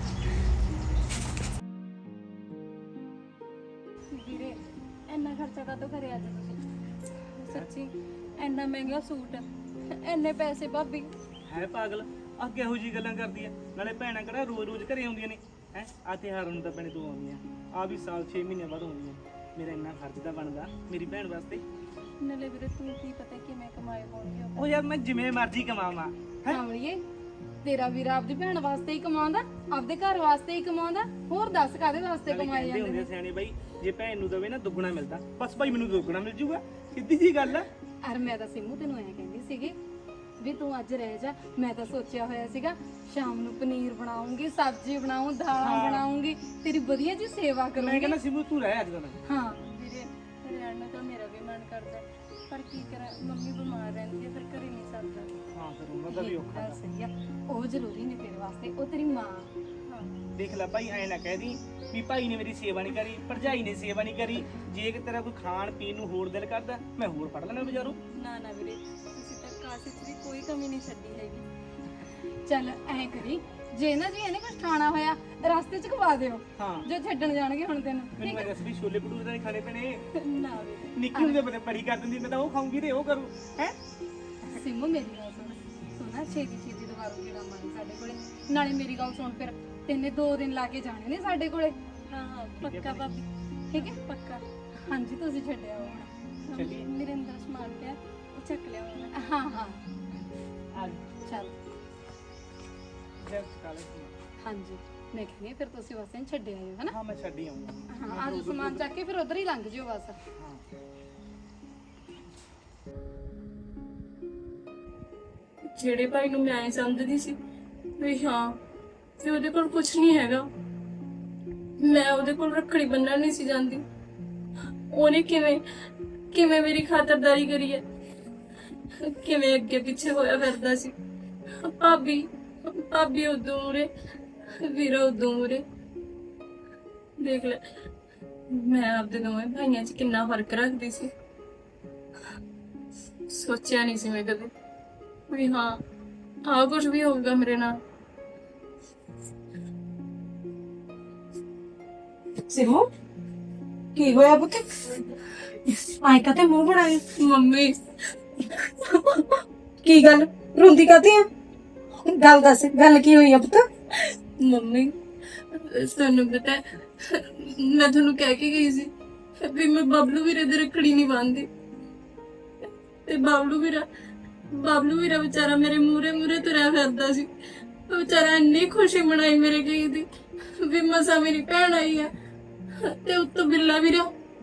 [SPEAKER 2] ਵੀਰੇ ਇੰਨਾ ਖਰਚਾ ਕਾਹਤੋਂ ਕਰਿਆ ਅੱਜ ਤੁਸੀਂ? ਸੱਚੀ ਇੰਨਾ ਮਹਿੰਗਾ ਸੂਟ, ਇੰਨੇ ਪੈਸੇ ਭਾਬੀ।
[SPEAKER 6] ਹੈ ਪਾਗਲ, ਆ ਕਿਹੋ ਜੀ ਗੱਲਾਂ ਕਰਦੀ ਆ? ਨਾਲੇ ਭੈਣਾਂ ਕਿਹੜਾ ਰੋਜ਼-ਰੋਜ਼ ਘਰੇ ਆਉਂਦੀਆਂ ਨੇ? ਹੈ ਆ ਤਿਉਹਾਰ ਨੂੰ ਤਾਂ ਭੈਣੇ ਤੂੰ ਆਉਂਦੀ ਆ, ਆ ਵੀ ਸਾਲ 6 ਮਹੀਨੇ ਬਾਅਦ ਆਉਂਦੀ ਆ। ਮੇਰਾ ਇੰਨਾ ਖਰਚ ਤਾਂ ਬਣਦਾ ਮੇਰੀ ਭੈਣ ਵਾਸਤੇ।
[SPEAKER 2] ਨਾਲੇ ਵੀਰੇ ਤੂੰ ਕੀ ਪਤਾ ਕਿਵੇਂ ਕਮਾਏ ਹੋਣਗੇ ਉਹ।
[SPEAKER 6] ਉਹ ਯਾਰ ਮੈਂ ਜਿਵੇਂ ਮਰਜ਼ੀ ਕਮਾਵਾਂ ਹੈਂ?
[SPEAKER 7] ਕਾਮੜੀਏ ਤੇਰਾ ਵੀਰ ਆਪਦੀ ਭੈਣ ਵਾਸਤੇ ਹੀ ਕਮਾਉਂਦਾ, ਆਪਦੇ ਘਰ ਵਾਸਤੇ ਹੀ ਕਮਾਉਂਦਾ, ਹੋਰ ਦੱਸ ਕਾਦੇ ਵਾਸਤੇ
[SPEAKER 6] ਨਾਲੇ
[SPEAKER 7] ਕਮਾਏ
[SPEAKER 6] ਕਹਿੰਦੇ
[SPEAKER 7] ਜਾਂਦੇ
[SPEAKER 6] ਹੁੰਦੇ
[SPEAKER 7] ਨੇ।
[SPEAKER 6] ਸਿਆਣੇ ਬਾਈ, ਜੇ ਭੈਣ ਨੂੰ ਦਵੇ ਨਾ ਦੁੱਗਣਾ ਮਿਲਦਾ, ਬਸ ਭਾਈ ਮੈਨੂੰ ਦੁੱਗਣਾ ਮਿਲ ਜੂਗਾ, ਸਿੱਧੀ ਜੀ ਗੱਲ ਆ।
[SPEAKER 7] ਅਰ ਮੈਂ ਤਾਂ ਸਿੰਮੂ ਤੈਨੂੰ ਐ ਕਹਿੰਦੀ ਸੀਗੀ ਵੀ ਤੂੰ ਅੱਜ ਰਹਿ ਜਾ। ਮੈਂ ਤਾਂ ਸੋਚਿਆ ਹੋਇਆ ਸੀਗਾ ਸ਼ਾਮ ਨੂੰ ਪਨੀਰ ਬਣਾਉਂਗੀ, ਸਬਜ਼ੀ ਬਣਾਉਂ, ਦਾਲਾਂ ਬਣਾਉਂਗੀ, ਤੇਰੀ ਵਧੀਆ ਜੀ ਸੇਵਾ
[SPEAKER 6] ਮੈਂ
[SPEAKER 7] ਕਰੂੰਗੀ।
[SPEAKER 6] ਕਹਿੰਦਾ ਸਿਮੂ ਤੂੰ ਰਹਿ ਅੱਜ ਕੱਲ੍ਹ।
[SPEAKER 7] ਹਾਂ
[SPEAKER 2] ਵੀਰੇ ਰਹਿਣ ਨੂੰ ਤਾਂ ਮੇਰਾ ਵੀ ਮਨ ਕਰਦਾ ਪਰ ਕੀ ਕਰਾਂ, ਮੰਮੀ ਬਿਮਾਰ ਰਹਿੰਦੀ ਹੈ ਫਿਰ ਘਰੇ ਨਹੀਂ ਸਰਦਾ।
[SPEAKER 6] ਹਾਂ ਫਿਰ ਉਹਨਾਂ ਦਾ ਵੀ ਔਖਾ
[SPEAKER 7] ਗੱਲ ਸਹੀ ਆ, ਉਹ ਜ਼ਰੂਰੀ ਨੇ ਤੇਰੇ ਵਾਸਤੇ, ਉਹ ਤੇਰੀ ਮਾਂ।
[SPEAKER 6] ਦੇਖ ਲੈ ਭਾਈ, ਐ ਨਾ ਕਹਿ ਦੀ ਵੀ ਭਾਈ ਨੇ ਮੇਰੀ ਸੇਵਾ ਨਹੀਂ ਕਰੀ, ਭਰਜਾਈ ਨੇ ਸੇਵਾ ਨਹੀਂ ਕਰੀ। ਜੇ ਕਿ ਤੇਰਾ ਕੋਈ ਖਾਣ ਪੀਣ ਨੂੰ ਹੋਰ ਦਿਲ ਕਰਦਾ, ਮੈਂ ਹੋਰ ਫੜ ਲੈਣਾ ਬਾਜ਼ਾਰੋਂ।
[SPEAKER 2] ਨਾ ਨਾ ਵੀਰੇ ਤੁਸੀਂ ਤਾਂ ਕਾਸੇ 'ਚ ਵੀ ਕੋਈ ਕਮੀ ਨਹੀਂ ਛੱਡੀ ਹੈਗੀ।
[SPEAKER 7] ਚੱਲ ਐ ਕਰੀ, ਜੇ ਨਾ ਜੀ ਇਹਨੇ ਕੁਝ ਖਾਣਾ ਹੋਇਆ ਰਸਤੇ 'ਚ ਖਵਾ ਦਿਓ
[SPEAKER 6] ਹਾਂ
[SPEAKER 7] ਜੋ ਛੱਡਣ ਜਾਣਗੇ ਹੁਣ ਤੈਨੂੰ।
[SPEAKER 6] ਮੈਨੂੰ ਮੈਂ ਦੱਸ ਵੀ ਛੋਲੇ ਭਟੂਰੇ ਤਾਂ ਨਹੀਂ ਖਾਣੇ ਪੈਣੇ।
[SPEAKER 2] ਨਾ ਵੀਰੇ
[SPEAKER 6] ਨਿੱਕੀ ਹੁੰਦੇ ਬੜੇ ਪੜੀ ਕਰ ਦਿੰਦੀ, ਮੈਂ ਤਾਂ ਉਹ ਖਾਊਂਗੀ ਤੇ ਉਹ ਕਰੂ ਹੈ।
[SPEAKER 7] ਸਿੰਮੂ ਮੇਰੀ ਗੱਲ ਸੁਣ, ਤੂੰ ਨਾ ਛੇਤੀ ਦੁਬਾਰਾ ਜਿਹੜਾ ਮਾਰੀ ਸਾਡੇ ਕੋਲੇ। ਨਾਲੇ ਮੇਰੀ ਗੱਲ ਸੁਣ, ਫਿਰ ਤੈਨੇ 2 ਦਿਨ ਲਾ ਕੇ ਜਾਣੇ ਨੇ ਸਾਡੇ ਕੋਲੇ।
[SPEAKER 2] ਹਾਂ ਹਾਂ ਪੱਕਾ ਭਾਬੀ,
[SPEAKER 7] ਠੀਕ ਹੈ?
[SPEAKER 2] ਪੱਕਾ।
[SPEAKER 7] ਹਾਂਜੀ ਤੁਸੀਂ ਛੱਡਿਆ ਹੁਣ।
[SPEAKER 6] ਚੱਲੀਏ।
[SPEAKER 2] ਮੇਰੇ ਅੰਦਰ ਸਮਾਨ ਪਿਆ ਉਹ ਚੱਕ ਲਿਆ ਮੈਂ।
[SPEAKER 7] ਹਾਂ ਹਾਂ
[SPEAKER 6] ਆ
[SPEAKER 7] ਚੱਲ।
[SPEAKER 6] ਜਾ ਕਾਲੇ।
[SPEAKER 7] ਹਾਂਜੀ ਮੈਂ ਕਹਿੰਦੀ ਹਾਂ ਫਿਰ ਤੁਸੀਂ ਬਸ ਇਹਨੂੰ ਛੱਡ ਆਇਓ ਹਨਾ।
[SPEAKER 6] ਹਾਂ ਮੈਂ ਛੱਡ ਹੀ ਆਉਂਗਾ।
[SPEAKER 7] ਹਾਂ ਅੱਜ ਸਮਾਨ ਚੱਕ ਕੇ ਫਿਰ ਉਧਰ ਹੀ ਲੰਘ ਜਿਓ ਬਸ।
[SPEAKER 2] ਜਿਹੜੇ ਭਾਈ ਨੂੰ ਮੈਂ ਐਂ ਸਮਝਦੀ ਸੀ ਵੀ ਹਾਂ ਵੀ ਉਹਦੇ ਕੋਲ ਕੁਝ ਨਹੀਂ ਹੈਗਾ, ਮੈਂ ਉਹਦੇ ਕੋਲ ਰੱਖੜੀ ਬੰਨਣ ਨਹੀਂ ਸੀ ਜਾਂਦੀ, ਉਹਨੇ ਕਿਵੇਂ ਕਿਵੇਂ ਮੇਰੀ ਖਾਤਰਦਾਰੀ ਕਰੀ ਹੈ, ਕਿਵੇਂ ਅੱਗੇ ਪਿੱਛੇ ਹੋਇਆ ਫਿਰਦਾ ਸੀ। ਭਾਬੀ ਭਾਬੀ ਉਦੋਂ ਮੂਰੇ, ਵੀਰਾ ਉਦੋਂ ਮੂਰੇ। ਦੇਖ ਲੈ ਮੈਂ ਆਪਦੇ ਦੋਵੇਂ ਭਾਈਆਂ 'ਚ ਕਿੰਨਾ ਫਰਕ ਰੱਖਦੀ ਸੀ। ਸੋਚਿਆ ਨਹੀਂ ਸੀ ਮੈਂ ਕਦੇ ਵੀ ਹਾਂ ਆਹ ਕੁਝ ਵੀ ਹੋਊਗਾ ਮੇਰੇ ਨਾਲ।
[SPEAKER 1] ਸਿਮੂ ਕੀ ਹੋਇਆ ਪੁੱਤ? ਆਈ ਕਾ ਤੇ ਮੂੰਹ ਬਣਾਇਆ।
[SPEAKER 2] ਮੰਮੀ
[SPEAKER 1] ਕੀ ਗੱਲ ਰੋਂਦੀ ਕਾਤੇ ਆ? ਗੱਲ ਦੱਸ, ਗੱਲ ਕੀ ਹੋਈ ਆ ਪੁੱਤ?
[SPEAKER 2] ਮੰਮੀ ਤੁਹਾਨੂੰ ਪਤਾ ਹੈ, ਮੈਂ ਤੁਹਾਨੂੰ ਕਹਿ ਕੇ ਗਈ ਸੀ ਵੀ ਮੈਂ ਬਬਲੂ ਵੀਰੇ ਦੇ ਰੱਖੜੀ ਨਹੀਂ ਬੰਨ੍ਹਦੀ, ਤੇ ਬਬਲੂ ਵੀਰਾ ਵਿਚਾਰਾ ਮੇਰੇ ਮੂਰੇ ਤੁਰਿਆ ਫਿਰਦਾ ਸੀ। ਉਹ ਵਿਚਾਰਾ ਇੰਨੀ ਖੁਸ਼ੀ ਮਨਾਈ ਮੇਰੇ ਗਈ ਦੀ ਵੀ ਮਸਾ ਮੇਰੀ ਭੈਣ ਆਈ ਆ, ਤੇ ਉੱਤੋਂ ਬਿੱਲਾ ਵੀਰਾ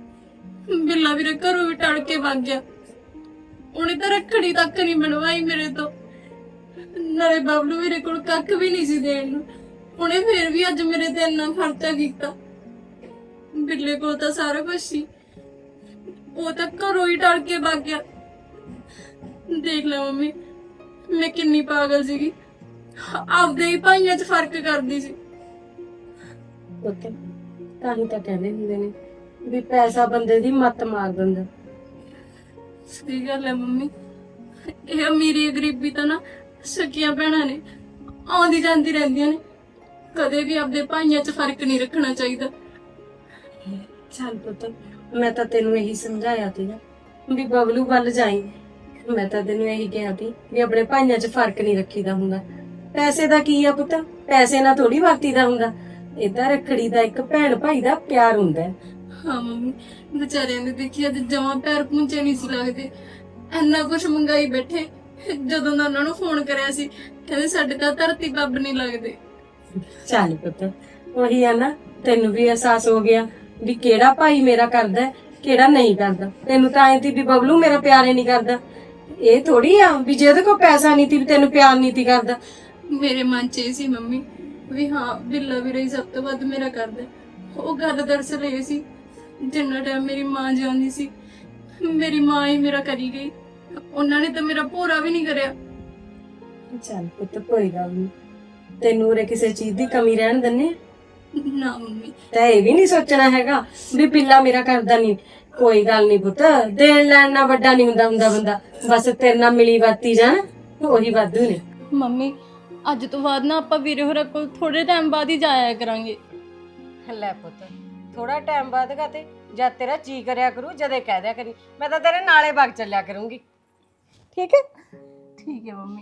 [SPEAKER 2] ਘਰੋਂ ਵੀ ਟੜ ਕੇ ਭੱਜ ਗਿਆ। ਉਹਨੇ ਤਾਂ ਰੱਖੜੀ ਤੱਕ ਨਹੀਂ ਬਣਵਾਈ ਮੇਰੇ ਤੋਂ, ਨਾਲੇ ਬਬਲੂ ਵੀਰੇ ਕੋਲ ਕੱਖ ਵੀ ਨਹੀਂ ਸੀ ਦੇਣ ਨੂੰ। ਉਹਨੇ ਫੇਰ ਵੀ ਅੱਜ ਮੇਰੇ ਤੇ ਇੰਨਾ ਖਰਚਾ ਕੀਤਾ। ਬਿੱਲੇ ਕੋਲ ਤਾਂ ਸਾਰਾ ਕੁਝ ਸੀ, ਉਹ ਤਾਂ ਘਰੋਂ ਹੀ ਟੜ ਕੇ ਭੱਜ ਗਿਆ। ਦੇਖ ਲੈ ਮੰਮੀ ਮੈਂ ਕਿੰਨੀ ਪਾਗਲ ਸੀਗੀ, ਆਪਦੇ ਹੀ ਭਾਈਆਂ 'ਚ ਫਰਕ ਕਰਦੀ ਸੀ।
[SPEAKER 1] ਪੁੱਤ ਤੁਹਾਨੂੰ ਤਾਂ ਕਹਿੰਦੇ ਹੁੰਦੇ ਨੇ ਵੀ ਪੈਸਾ ਬੰਦੇ ਦੀ ਮੱਤ ਮਾਰ ਦਿੰਦਾ।
[SPEAKER 2] ਸਹੀ ਗੱਲ ਹੈ ਮੰਮੀ, ਇਹ ਅਮੀਰੀ ਗਰੀਬੀ ਤਾਂ ਨਾ ਸਕੀਆਂ ਭੈਣਾਂ ਨੇ, ਆਉਂਦੀ ਜਾਂਦੀ ਰਹਿੰਦੀਆਂ ਨੇ, ਕਦੇ ਵੀ ਆਪਦੇ ਭਾਈਆਂ 'ਚ ਫਰਕ ਨਹੀਂ ਰੱਖਣਾ ਚਾਹੀਦਾ।
[SPEAKER 1] ਚੱਲ ਪੁੱਤ ਮੈਂ ਤਾਂ ਤੈਨੂੰ ਇਹੀ ਸਮਝਾਇਆ ਸੀਗਾ ਵੀ ਬਬਲੂ ਵੱਲ ਜਾਈ। ਮੈਂ ਤਾਂ ਤੈਨੂੰ ਇਹੀ ਕਿਹਾ ਸੀ ਵੀ ਆਪਣੇ ਭਾਈਆਂ 'ਚ ਫਰਕ ਨਹੀਂ ਰੱਖੀਦਾ ਹੁੰਦਾ। ਪੈਸੇ ਦਾ ਕੀ ਆ ਪੁੱਤ, ਪੈਸੇ ਨਾਲ ਥੋੜੀ ਵਰਤੀਦਾ ਹੁੰਦਾ। ਏਦਾਂ ਰੱਖੜੀ ਦਾ ਇੱਕ ਭੈਣ ਭਾਈ ਦਾ ਪਿਆਰ ਹੁੰਦਾ ਹੈ।
[SPEAKER 2] ਹਾਂ ਮੰਮੀ ਵਿਚਾਰਿਆਂ ਦੇ ਦੇਖੀ ਅੱਜ ਜਮਾਂ ਪੈਰ ਪੂੰਝੇ ਨਹੀਂ ਸੀ ਲੱਗਦੇ, ਇੰਨਾ ਕੁਛ ਮੰਗਾਈ ਬੈਠੇ। ਜਦੋਂ ਦਾ ਉਹਨਾਂ ਨੂੰ ਫੋਨ ਕਰਿਆ ਸੀ ਕਹਿੰਦੇ ਸਾਡੇ ਤਾਂ ਧਰਤੀ ਬੱਬ ਨਹੀਂ ਲੱਗਦੇ।
[SPEAKER 1] ਚੱਲ ਪੁੱਤ ਉਹੀ ਆ ਨਾ, ਤੈਨੂੰ ਵੀ ਅਹਿਸਾਸ ਹੋ ਗਿਆ ਵੀ ਕਿਹੜਾ ਭਾਈ ਮੇਰਾ ਕਰਦਾ ਕਿਹੜਾ ਨਹੀਂ ਕਰਦਾ। ਤੈਨੂੰ ਤਾਂ ਐਂ ਸੀ ਵੀ ਬਬਲੂ ਮੇਰਾ ਪਿਆਰ ਹੀ ਨਹੀਂ ਕਰਦਾ। ਇਹ ਥੋੜੀ ਆ ਵੀ ਜਿਹਦੇ ਕੋਲ ਪੈਸਾ ਨਹੀਂ ਸੀ ਵੀ ਤੈਨੂੰ ਪਿਆਰ ਨਹੀਂ ਸੀ ਕਰਦਾ।
[SPEAKER 2] ਮੇਰੇ ਮਨ 'ਚ ਇਹ ਸੀ ਮੰਮੀ ਵੀ ਹਾਂ ਬਿੱਲਾ ਵੀਰਾ ਹੀ ਸਭ ਤੋਂ ਵੱਧ ਮੇਰਾ ਕਰਦਾ। ਉਹ ਗੱਲ ਦਰਅਸਲ ਇਹ ਸੀ, ਜਿੰਨਾ ਟਾਈਮ ਮੇਰੀ ਮਾਂ ਜਿਉਂਦੀ ਸੀ ਮੇਰੀ ਮਾਂ ਹੀ ਮੇਰਾ ਕਰੀ ਗਈ, ਉਹਨਾਂ ਨੇ ਤਾਂ ਮੇਰਾ ਭੋਰਾ ਵੀ ਨਹੀਂ ਕਰਿਆ।
[SPEAKER 1] ਚੱਲ ਪੁੱਤ ਕੋਈ ਗੱਲ ਨਹੀਂ, ਤੈਨੂੰ ਉਰੇ ਕਿਸੇ ਚੀਜ਼ ਦੀ ਕਮੀ ਰਹਿਣ ਦਿੰਨੇ
[SPEAKER 2] ਨਾ ਮੰਮੀ
[SPEAKER 1] ਤਾਂ ਇਹ ਵੀ ਨਹੀਂ ਸੋਚਣਾ ਹੈਗਾ ਵੀ ਪਿੱਲਾ ਮੇਰਾ ਕਰਦਾ ਨਹੀਂ। ਕੋਈ ਗੱਲ ਨਹੀਂ ਪੁੱਤ, ਦੇਣ ਲੈਣ ਨਾਲ ਵੱਡਾ ਨਹੀਂ ਹੁੰਦਾ ਬੰਦਾ, ਬਸ ਤੇਰੇ ਨਾਲ ਮਿਲੀ ਵਰਤੀ ਜਾਣ ਉਹੀ ਵਾਧੂ ਨੇ।
[SPEAKER 2] ਮੰਮੀ ਅੱਜ ਤੋਂ ਬਾਅਦ ਨਾ ਆਪਾਂ ਵੀਰੇ ਹੋਰਾਂ ਕੋਲ ਥੋੜੇ ਟਾਈਮ ਬਾਅਦ ਹੀ ਜਾਇਆ ਕਰਾਂਗੇ।
[SPEAKER 1] ਲੈ ਪੁੱਤ ਥੋੜਾ ਟਾਈਮ ਬਾਅਦ ਗਾ ਤੇ ਜਦ ਤੇਰਾ ਜੀ ਕਰਿਆ ਕਰੂ ਜਦੇ ਕਹਿ ਦਿਆ ਕਰੀ, ਮੈਂ ਤਾਂ ਤੇਰੇ ਨਾਲੇ ਵਗ ਚੱਲਿਆ ਕਰੂੰਗੀ। ਠੀਕ ਹੈ?
[SPEAKER 2] ਠੀਕ ਹੈ ਮੰਮੀ।